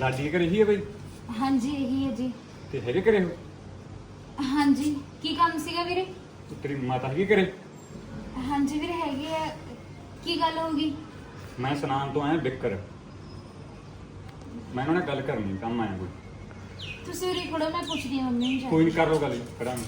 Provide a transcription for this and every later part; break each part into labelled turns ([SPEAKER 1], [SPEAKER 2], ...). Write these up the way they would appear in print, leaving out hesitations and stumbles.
[SPEAKER 1] ਲਾਡੀ ਘਰੇ ਹੀ ਹੈ ਬਈ?
[SPEAKER 2] ਹਾਂਜੀ ਇਹੀ ਹੈ ਜੀ।
[SPEAKER 1] ਤੇ ਹੈਗੇ ਘਰੇ ਹੋ?
[SPEAKER 2] ਹਾਂਜੀ ਕੀ ਕੰਮ ਸੀਗਾ ਵੀਰੇ?
[SPEAKER 1] ਤੇ ਤੇਰੀ ਮਾਤਾ ਹੈਗੀ ਘਰੇ?
[SPEAKER 2] ਹਾਂਜੀ ਵੀਰੇ ਹੈਗੇ ਆ। ਕੀ ਗੱਲ ਹੋ ਗਈ?
[SPEAKER 1] ਮੈਂ ਸੁਨਾਮ ਤੋਂ ਆਇਆ ਬਿੱਕਰ। ਮੈਂ ਉਹਨਾਂ ਨਾਲ ਗੱਲ ਕਰਨੀ, ਕੰਮ ਆਇਆ ਕੋਈ।
[SPEAKER 2] ਤੁਸੀਂ ਉਰੇ ਖੜੋ, ਮੈਂ ਪੁੱਛਦੀ ਹਾਂ ਮੰਮੀ ਨੂੰ ਜਾ
[SPEAKER 1] ਕੋਈ ਨਹੀਂ, ਕਰ ਲਓ ਗੱਲ ਕਰਾਂਗੇ।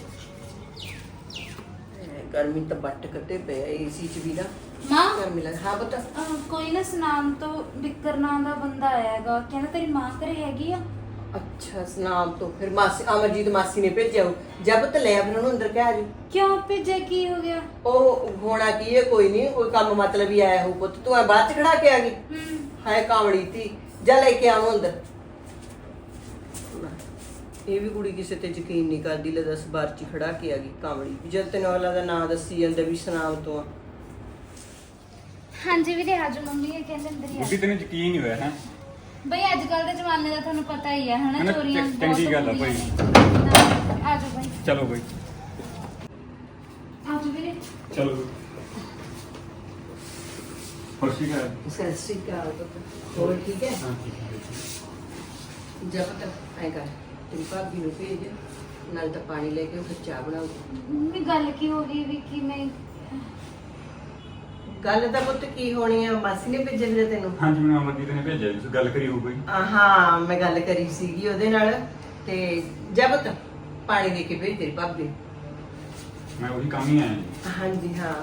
[SPEAKER 3] गर्मी तो बट कटे पे एसी च भी ना
[SPEAKER 2] ਮਾਂ
[SPEAKER 3] गर्मी लग। हाँ बता।
[SPEAKER 2] ਕੋਈ ਨਾ ਸੁਨਾਮ ਤੋਂ ਬਿੱਕਰ ਨਾਂ ਦਾ ਬੰਦਾ ਆਇਆ ਹੈਗਾ, ਕਹਿੰਦਾ ਤੇਰੀ ਮਾਂ ਘਰੇ ਹੈਗੀ ਆ।
[SPEAKER 3] अच्छा सनाम तो फिर मासी अमरजीत मासी ने भेजा हो जब तो ले फिर अंदर क्या जी
[SPEAKER 2] ਕਿਉਂ ਭੇਜਿਆ? ਕੀ ਹੋ ਗਿਆ?
[SPEAKER 3] ओ होना की है कोई नहीं, कोई काम मतलब ही आया हो पुत तू बाद च खड़ा के आ गई हाय कावड़ी थी जा लेके आओ अंदर। ਇਹ ਵੀ ਕੁੜੀ ਕਿਸੇ ਤੇ ਯਕੀਨ ਨਹੀਂ ਕਰਦੀ, ਲੈ 10 ਬਾਰ ਚ ਖੜਾ ਕੇ ਆ ਗਈ ਕਾਮੜੀ। ਜਦ ਤੈਨੂੰ ਅਗਲਾ ਦਾ ਨਾਂ ਦੱਸੀ ਜਾਂਦਾ ਵੀ ਸਨਾਮ ਤੋਂ ਆ।
[SPEAKER 2] ਹਾਂਜੀ ਵੀਰੇ ਆਜੋ, ਮੰਮੀ ਇਹ ਕਹਿੰਦੇ ਅੰਦਰ ਹੀ ਆ।
[SPEAKER 1] ਬੁੱਢੀ ਤੈਨੂੰ ਯਕੀਨ ਨਹੀਂ ਹੋਇਆ ਹੈ?
[SPEAKER 2] ਬਈ ਅੱਜ ਕੱਲ ਦੇ ਜ਼ਮਾਨੇ ਦਾ ਤੁਹਾਨੂੰ ਪਤਾ ਹੀ ਹੈ ਹਨਾ,
[SPEAKER 1] ਹਨਾ,
[SPEAKER 2] ਚੋਰੀਆਂ
[SPEAKER 1] ਚੰਗੀ ਗੱਲ ਆ ਭਾਈ।
[SPEAKER 2] ਆਜੋ ਬਈ,
[SPEAKER 1] ਚਲੋ ਬਈ
[SPEAKER 2] ਆਜੋ ਵੀਰੇ।
[SPEAKER 1] ਚਲੋ। ਖੁਸ਼ੀ ਕਰ।
[SPEAKER 3] ਸਤਿ ਸ਼੍ਰੀ ਅਕਾਲ ਪੁੱਤ, ਹੋਰ ਠੀਕ ਹੈ?
[SPEAKER 1] ਹਾਂ ਠੀਕ ਹੈ।
[SPEAKER 3] ਜਬ ਤੱਕ ਐ ਕਰ ਤੇਰੀ ਭਾਬੀ ਨੂੰ ਭੇਜ, ਨਾਲ ਤਾਂ ਪਾਣੀ ਲੈ ਕੇ ਉਹ ਫਿਰ ਚਾਹ ਬਣਾਉ।
[SPEAKER 2] ਮੰਮੀ ਗੱਲ ਕੀ ਹੋ ਗਈ ਵੀ ਕਿਵੇਂ?
[SPEAKER 3] ਗੱਲ ਤਾਂ ਪੁੱਤ ਕੀ ਹੋਣੀ ਆ, ਮਾਸੀ ਨੇ ਭੇਜਿਆ ਵੀਰੇ ਤੈਨੂੰ?
[SPEAKER 1] ਹਾਂਜੀ ਮੈਨੂੰ ਅਮਰਜੀਤ ਨੇ ਭੇਜਿਆ ਜੀ, ਤੁਸੀਂ ਗੱਲ ਕਰੀ ਹੋ ਕੋਈ?
[SPEAKER 3] ਹਾਂ ਮੈਂ ਗੱਲ ਕਰੀ ਸੀਗੀ ਉਹਦੇ ਨਾਲ, ਤੇ ਜਬ ਤੱਕ ਪਾਣੀ ਲੈ ਕੇ ਭੇਜ ਤੇਰੀ ਭਾਬੀ।
[SPEAKER 1] ਮੈਂ ਉਹੀ ਕੰਮ ਹੀ ਆਇਆ ਜੀ।
[SPEAKER 3] ਹਾਂਜੀ ਹਾਂ,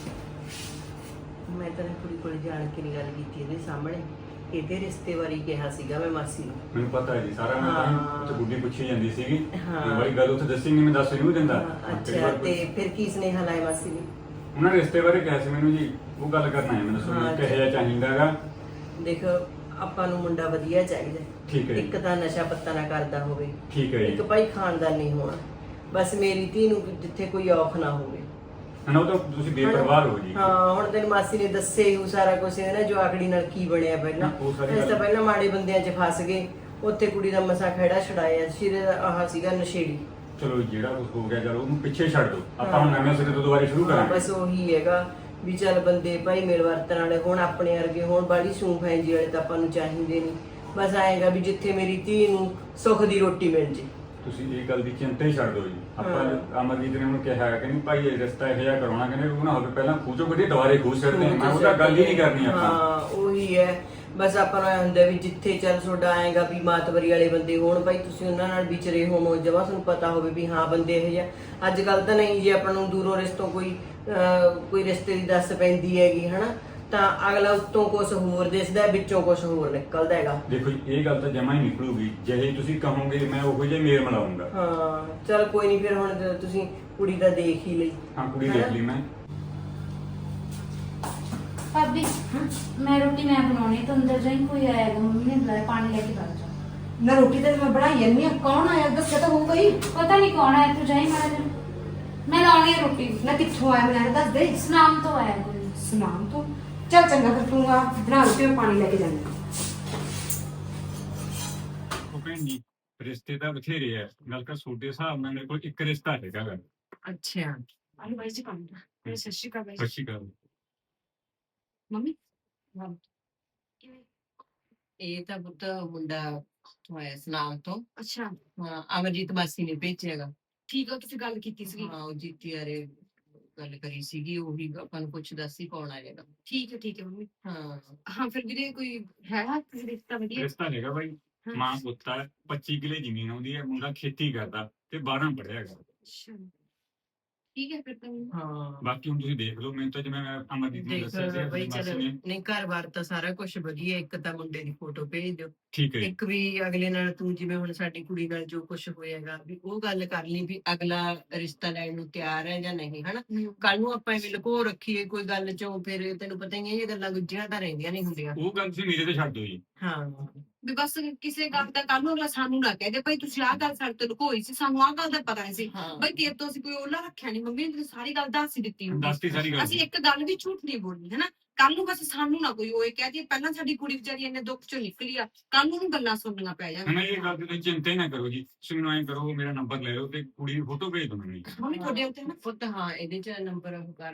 [SPEAKER 3] ਮੈਂ ਤਾਂ ਕੁੜੀ ਕੋਲ ਜਾਣ ਕੇ ਨਹੀਂ ਗੱਲ ਕੀਤੀ ਇਹਦੇ ਸਾਹਮਣੇ। ਇਹਦੇ ਰਿਸ਼ਤੇ ਬਾਰੇ ਕਿਹਾ ਸੀਗਾ ਮੈਂ ਮਾਸੀ ਨੂੰ।
[SPEAKER 1] ਮੈਨੂੰ ਪਤਾ ਹੈ ਜੀ ਸਾਰਾ, ਮੈਂ ਤਾਂ
[SPEAKER 3] ਹਾਂ।
[SPEAKER 1] ਉੱਥੇ ਬੁੱਢੀ ਪੁੱਛੀ ਜਾਂਦੀ ਸੀਗੀ।
[SPEAKER 3] ਹਾਂ।
[SPEAKER 1] ਤੇ ਬੜੀ ਗੱਲ ਉੱਥੇ ਦੱਸੀ ਨਹੀਂ, ਮੈਂ ਦੱਸ ਨਹੀਂ ਦਿੰਦਾ।
[SPEAKER 3] ਅੱਛਾ ਤੇ ਫਿਰ ਕੀ ਸੁਨੇਹਾ ਲਾਇਆ ਮਾਸੀ ਨੇ?
[SPEAKER 1] ਉਹਨਾਂ ਨੇ ਰਿਸ਼ਤੇ ਬਾਰੇ ਕਿਹਾ ਸੀ ਮੈਨੂੰ ਜੀ, ਉਹ ਗੱਲ ਕਰਨਾ ਹੈ। ਮੈਨੂੰ
[SPEAKER 3] ਹਾਂ,
[SPEAKER 1] ਦੱਸੋ ਕਿਹੋ ਜਿਹਾ ਚਾਹੀਦਾਗਾ?
[SPEAKER 3] ਦੇਖ ਆਪਾਂ ਨੂੰ ਮੁੰਡਾ ਵਧੀਆ ਚਾਹੀਦਾ,
[SPEAKER 1] ਠੀਕ ਹੈ ਜੀ।
[SPEAKER 3] ਇੱਕ ਤਾਂ ਨਸ਼ਾ ਪੱਤਾ ਨਾ ਕਰਦਾ ਹੋਵੇ,
[SPEAKER 1] ਠੀਕ ਹੈ
[SPEAKER 3] ਇੱਕ
[SPEAKER 1] ਜੀ।
[SPEAKER 3] ਭਾਈ ਖਾਨਦਾਨ ਨਹੀਂ ਹੋਣਾ। ਬਸ ਮੇਰੀ ਧੀ ਨੂੰ ਜਿੱਥੇ ਕੋਈ ਔਖ ਨਾ ਹੋਵੇ।
[SPEAKER 1] ਹਨਾ, ਉਹ ਤਾਂ ਤੁਸੀਂ ਬੇਪਰਵਾਹ ਹੋ ਜੀ।
[SPEAKER 3] ਹਾਂ ਹੁਣ ਤੈਨੂੰ ਮਾਸੀ ਨੇ ਦੱਸੇ ਹੀ ਸਾਰਾ ਕੁਝ, ਇਹਨੇ ਜੋ ਆਕੜੀ ਨਾਲ ਕੀ ਬਣਿਆ ਪਹਿਲਾਂ।
[SPEAKER 1] ਉਹ ਸਾਰੀ
[SPEAKER 3] ਇਸ ਤਾਂ
[SPEAKER 1] ਗੱਲ-
[SPEAKER 3] ਪਹਿਲਾਂ ਮਾੜੇ ਬੰਦਿਆਂ 'ਚ ਫਸ ਗਏ, ਉੱਥੇ ਕੁੜੀ ਦਾ ਮਸਾ ਖੜਾ ਛੁਡਾਇਆ। ਸਿਰੇ ਦਾ ਆਹ ਸੀਗਾ ਨਸ਼ੇੜੀ।
[SPEAKER 1] ਚਲੋ ਜਿਹੜਾ ਕੁਝ ਹੋ ਗਿਆ ਚਲੋ ਉਹਨੂੰ ਪਿੱਛੇ ਛੱਡ ਦਿਓ, ਆਪਾਂ ਹੁਣ
[SPEAKER 3] ਹਾਂ।
[SPEAKER 1] ਨਵੇਂ ਸਿਰੇ ਤੋਂ ਦੁਬਾਰਾ ਸ਼ੁਰੂ
[SPEAKER 3] ਹਾਂ,
[SPEAKER 1] ਕਰਾਂਗੇ।
[SPEAKER 3] ਬਸ ਉਹੀ ਹੈਗਾ ਵੀ ਚੱਲ ਬੰਦੇ ਭਾਈ ਮੇਲ ਵਰਤਣ ਵਾਲੇ ਹੁਣ ਆਪਣੇ ਵਰਗੇ ਹੁਣ ਬਾੜੀ ਸੂਫ ਹੈ ਜੀ ਵਾਲੇ ਤਾਂ ਆਪਾਂ ਨੂੰ ਚਾਹੀਦੇ ਨਹੀਂ। ਬਸ ਆਏਗਾ ਵੀ ਜਿੱਥੇ ਮੇਰੀ ਧੀ ਨੂੰ ਸੁੱਖ ਦੀ ਰੋਟੀ ਮਿਲ ਜੇ।
[SPEAKER 1] ਤੁਸੀਂ ਇਹ ਗੱਲ ਦੀ ਚਿੰਤਾ ਹੀ ਛੱਡ ਦਿਓ ਜੀ। ਆਪਾਂ
[SPEAKER 3] ਹਾਂ।
[SPEAKER 1] ਅਮਰਜੀਤ ਨੇ ਉਹਨੂੰ ਕਿਹਾ ਕਿ ਨਹੀਂ ਭਾਈ ਇਹ ਰਿਸ਼ਤਾ ਇਹੋ ਜਿਹਾ ਕਰਾਉਣਾ, ਕਹਿੰਦੇ ਉਹ ਨਾ ਹੋਵੇ ਪਹਿਲਾਂ ਖੂਚੋ ਕੱਢੀ ਦੁਬਾਰੇ ਖੂਚ ਛੱਡਦੇ ਹਾਂ। ਮੈਂ ਉਹਦਾ ਗੱਲ ਹੀ ਨਹੀਂ ਕਰਨੀ ਆਪਾਂ।
[SPEAKER 3] ਹਾਂ ਉਹੀ ਹੈ, ਬਸ ਆਪਾਂ ਨੂੰ ਐਂ ਹੁੰਦਾ ਵੀ ਜਿੱਥੇ ਚੱਲ ਤੁਹਾਡਾ ਆਏਗਾ ਵੀ ਮਾਤਵਰੀ ਵਾਲੇ ਬੰਦੇ ਹੋਣ ਭਾਈ, ਤੁਸੀਂ ਉਹਨਾਂ ਨਾਲ ਵਿਚਰੇ ਹੋਵੋ, ਜਮਾ ਤੁਹਾਨੂੰ ਪਤਾ ਹੋਵੇ ਵੀ ਹਾਂ ਬੰਦੇ ਇਹੋ ਜਿਹਾ। ਅੱਜ ਕੱਲ ਤਾਂ ਨਹੀਂ ਜੇ ਆਪਾਂ ਨੂੰ ਦੂਰੋਂ ਰਿਸ਼ਤੋਂ ਕੋਈ ਰਿਸ਼ਤੇ ਦੀ ਦੱਸ ਪੈਂਦੀ ਹੈਗੀ ਹਨਾ, ਤਾਂ ਅਗਲਾ ਉੱਤੋਂ ਕੁਝ ਹੋਰ ਦਿਸਦਾ, ਵਿੱਚੋਂ ਕੁਝ ਹੋਰ ਨਿਕਲਦਾ ਹੈਗਾ।
[SPEAKER 1] ਦੇਖੋ ਜੀ ਇਹ ਗੱਲ ਤਾਂ ਜਮਾ ਹੀ ਨਿਕਲੂਗੀ, ਜਿਹੇ ਤੁਸੀਂ ਕਹੋਗੇ ਮੈਂ ਉਹੋ ਜਿਹੇ ਮੇਲ ਮਿਲਾਉਂਗਾ।
[SPEAKER 3] ਹਾਂ ਚੱਲ ਕੋਈ ਨਹੀਂ, ਫਿਰ ਹੁਣ ਜਦੋਂ ਤੁਸੀਂ ਕੁੜੀ ਦਾ ਦੇਖ ਹੀ ਲਈ।
[SPEAKER 1] ਹਾਂ ਕੁੜੀ ਦੇਖ ਲਈ ਮੈਂ।
[SPEAKER 2] ਭਾਬੀ ਮੈਂ ਰੋਟੀ ਮੈਂ ਬਣਾਉਣੀ, ਤੂੰ ਅੰਦਰ ਜਾਈਂ, ਕੋਈ ਆਏਗਾ, ਮੰਮੀ ਨੇ ਬੁਲਾਇਆ, ਪਾਣੀ ਲੈ ਕੇ ਬੈਠ ਜਾ।
[SPEAKER 4] ਨਾ ਰੋਟੀ ਤਾਂ ਮੈਂ ਬਣਾਈ ਜਾਂਦੀ ਆ, ਕੌਣ ਆਇਆ ਦੱਸਿਆ ਤਾਂ ਹੋਊਗਾ ਹੀ।
[SPEAKER 2] ਪਤਾ ਨਹੀਂ ਕੌਣ ਆਇਆ, ਤੂੰ ਜਾਈਂ ਮਾੜਾ ਜਿਹਾ, ਮੈਂ ਲਾਉਣੀ ਹੈ ਰੋਟੀ।
[SPEAKER 4] ਨਾ ਕਿੱਥੋਂ ਆਇਆ ਮੈਨੂੰ ਦੱਸ ਦੇ।
[SPEAKER 2] ਸੁਨਾਮ ਤੋਂ ਆਇਆ ਕੋਈ।
[SPEAKER 4] ਸੁਨਾਮ ਤੋਂ? ਚੱਲ ਚੰਗਾ ਫਿਰ ਤੂੰ ਆ ਬਣਾ ਰੋਟੀ, ਮੈਂ ਪਾਣੀ ਲੈ ਕੇ ਜਾਂਦੀ ਹਾਂ।
[SPEAKER 1] ਉਹ ਭੈਣੀ ਰਿਸ਼ਤੇ ਤਾਂ ਬਥੇਰੇ ਆ, ਗੱਲ ਕਰ ਤੁਹਾਡੇ ਹਿਸਾਬ ਨਾਲ ਮੇਰੇ ਕੋਲ ਇੱਕ ਰਿਸ਼ਤਾ ਹੈਗਾ ਗਾ।
[SPEAKER 4] ਅੱਛਾ ਆਲੂ ਬਾਈ ਜੀ ਕੰਮ ਦਾ। ਸਤਿ ਸ਼੍ਰੀ ਅਕਾਲ ਬਾਈ
[SPEAKER 1] ਸਤਿ ਸ਼੍ਰੀ ਅਕਾਲ।
[SPEAKER 4] ਮੰਮੀ।
[SPEAKER 3] ਇਹ ਤਾਂ ਪੁੱਤ ਮੁੰਡਾ ਤੋਂ ਆਇਆ ਸਨਾਮ ਤੋਂ।
[SPEAKER 4] ਅੱਛਾ
[SPEAKER 3] ਹਾਂ ਅਮਰਜੀਤ ਮਾਸੀ ਨੇ ਭੇਜਿਆਗਾ।
[SPEAKER 4] ਠੀਕ ਆ, ਤੁਸੀਂ ਗੱਲ ਕੀਤੀ ਸੀਗੀ।
[SPEAKER 3] ਹਾਂ ਉਹ ਜੀਤੀ ਯਾਰੇ ਗੱਲ ਕਰੀ ਸੀਗੀ, ਉਹੀ ਆਪਾਂ ਨੂੰ ਪੁੱਛਦਾ ਸੀ ਕੌਣ ਆਏਗਾ।
[SPEAKER 4] ਠੀਕ ਹੈ ਮੰਮੀ।
[SPEAKER 3] ਹਾਂ
[SPEAKER 4] ਹਾਂ ਫਿਰ ਵੀਰੇ ਕੋਈ ਹੈ ਕਿਸੇ ਰਿਸ਼ਤਾ ਵਧੀਆ?
[SPEAKER 1] ਰਿਸ਼ਤਾ ਹੈਗਾ ਬਾਈ,
[SPEAKER 4] ਹਾਂ।
[SPEAKER 1] ਮਾਂ ਪੁੱਤ ਹੈ, 25 ਕਿੱਲੇ ਜ਼ਮੀਨ ਆਉਂਦੀ ਹੈ, ਮੁੰਡਾ ਖੇਤੀ ਕਰਦਾ ਤੇ 12 ਪੜ੍ਹਿਆ ਹੈਗਾ।
[SPEAKER 4] ਅੱਛਾ ਠੀਕ ਹੈ ਫਿਰ ਤਾਂ।
[SPEAKER 3] ਹਾਂ
[SPEAKER 1] ਬਾਕੀ ਹੁਣ ਤੁਸੀਂ ਦੇਖ ਲਓ, ਮੈਨੂੰ ਤਾਂ ਜਿਵੇਂ ਮੈਂ ਅਮਰਜੀਤ ਨੂੰ
[SPEAKER 3] ਦੇਖ
[SPEAKER 1] ਦੱਸਿਆ ਸੀ
[SPEAKER 3] ਬਈ
[SPEAKER 1] ਆਪਣੀ ਮਾਸੀ
[SPEAKER 3] ਚਲ
[SPEAKER 1] ਨੇ।
[SPEAKER 3] ਨਹੀਂ ਘਰ-ਬਾਰ ਤਾਂ ਸਾਰਾ ਕੁਝ ਵਧੀਆ, ਇੱਕ ਤਾਂ ਮੁੰਡੇ ਦੀ ਫੋਟੋ ਭੇਜ ਦਿਓ।
[SPEAKER 1] ਠੀਕ ਹੈ ਜੀ।
[SPEAKER 3] ਇੱਕ ਵੀ ਅਗਲੇ ਨਾਲ ਤੂੰ ਜਿਵੇਂ ਹੁਣ ਸਾਡੀ ਕੁੜੀ ਨਾਲ ਜੋ ਕੁਝ ਹੋਏਗਾ ਵੀ ਉਹ ਗੱਲ ਕਰ ਲਈ ਵੀ ਅਗਲਾ ਰਿਸ਼ਤਾ ਲੈਣ ਨੂੰ ਤਿਆਰ ਹੈ ਜਾਂ ਨਹੀਂ ਹਨਾ। ਕੱਲ ਨੂੰ ਆਪਾਂ ਐਵੇਂ ਲੁਕੋ ਰੱਖੀਏ ਕੋਈ ਗੱਲ ਚੋਂ, ਫਿਰ ਤੈਨੂੰ ਪਤਾ ਹੀ ਹੈ ਇਹ ਗੱਲਾਂ ਗੁੱਝੀਆਂ ਤਾਂ ਰਹਿੰਦੀਆਂ ਨਹੀਂ ਹੁੰਦੀਆਂ।
[SPEAKER 1] ਉਹ ਗੱਲ ਤੁਸੀਂ ਮੇਰੇ ਤੇ ਛੱਡ ਦਿਓ ਜੀ।
[SPEAKER 3] ਹਾਂ
[SPEAKER 4] ਵੀ ਬਸ ਕਿਸੇ ਗੱਲ ਦਾ ਕੱਲ ਨੂੰ ਅਗਲਾ ਸਾਨੂੰ ਨਾ ਕਹਿ ਦੇ ਭਾਈ ਤੁਸੀਂ ਆਹ ਗੱਲ ਸਾਡੇ ਤੋਂ ਲੁਕੋਈ ਸੀ, ਸਾਨੂੰ ਆਹ ਗੱਲ ਦਾ ਪਤਾ ਨਹੀਂ ਸੀ।
[SPEAKER 3] ਹਾਂ
[SPEAKER 4] ਬਈ ਤੇਰੇ ਤੋਂ ਅਸੀਂ ਕੋਈ ਉਹਲਾ ਰੱਖਿਆ ਨਹੀਂ, ਮੰਮੀ ਨੇ ਸਾਰੀ ਗੱਲ ਦੱਸ ਹੀ ਦਿੱਤੀ ਹੋਊਗੀ।
[SPEAKER 1] ਦੱਸਤੀ ਸਾਰੀ ਗੱਲ।
[SPEAKER 4] ਅਸੀਂ ਇੱਕ ਗੱਲ ਵੀ ਝੂਠ ਨਹੀਂ ਬੋਲਣੀ ਹਨਾ। ਕੱਲ ਨੂੰ ਬਸ ਸਾਨੂੰ ਨਾ ਕੋਈ ਉਹ ਕਹਿ ਦੇ ਪਹਿਲਾਂ ਸਾਡੀ ਕੁੜੀ ਵਿਚਾਰੀ ਇੰਨੇ ਦੁੱਖ ਚੋਂ ਨਿਕਲੀ ਆ, ਕੱਲ ਨੂੰ ਉਹਨੂੰ ਗੱਲਾਂ ਸੁਣਨੀਆਂ ਪੈ ਜਾਣ।
[SPEAKER 1] ਮੈਂ ਇਹ ਗੱਲ ਦੀ ਤੁਸੀਂ ਚਿੰਤਾ ਹੀ ਨਾ ਕਰੋ ਜੀ, ਤੁਸੀਂ ਮੈਨੂੰ ਐਂ ਕਰੋ ਮੇਰਾ ਨੰਬਰ ਲੈ ਲਓ ਤੇ ਕੁੜੀ ਦੀ ਫੋਟੋ ਭੇਜ ਦਿਓ ਮੈਨੂੰ ਜੀ।
[SPEAKER 4] ਮੰਮੀ ਤੁਹਾਡੇ ਉੱਤੇ ਨਾ
[SPEAKER 3] ਪੁੱਤ ਹਾਂ ਇਹਦੇ ਚ ਨੰਬਰ ਉਹ ਕਰ ਲਓ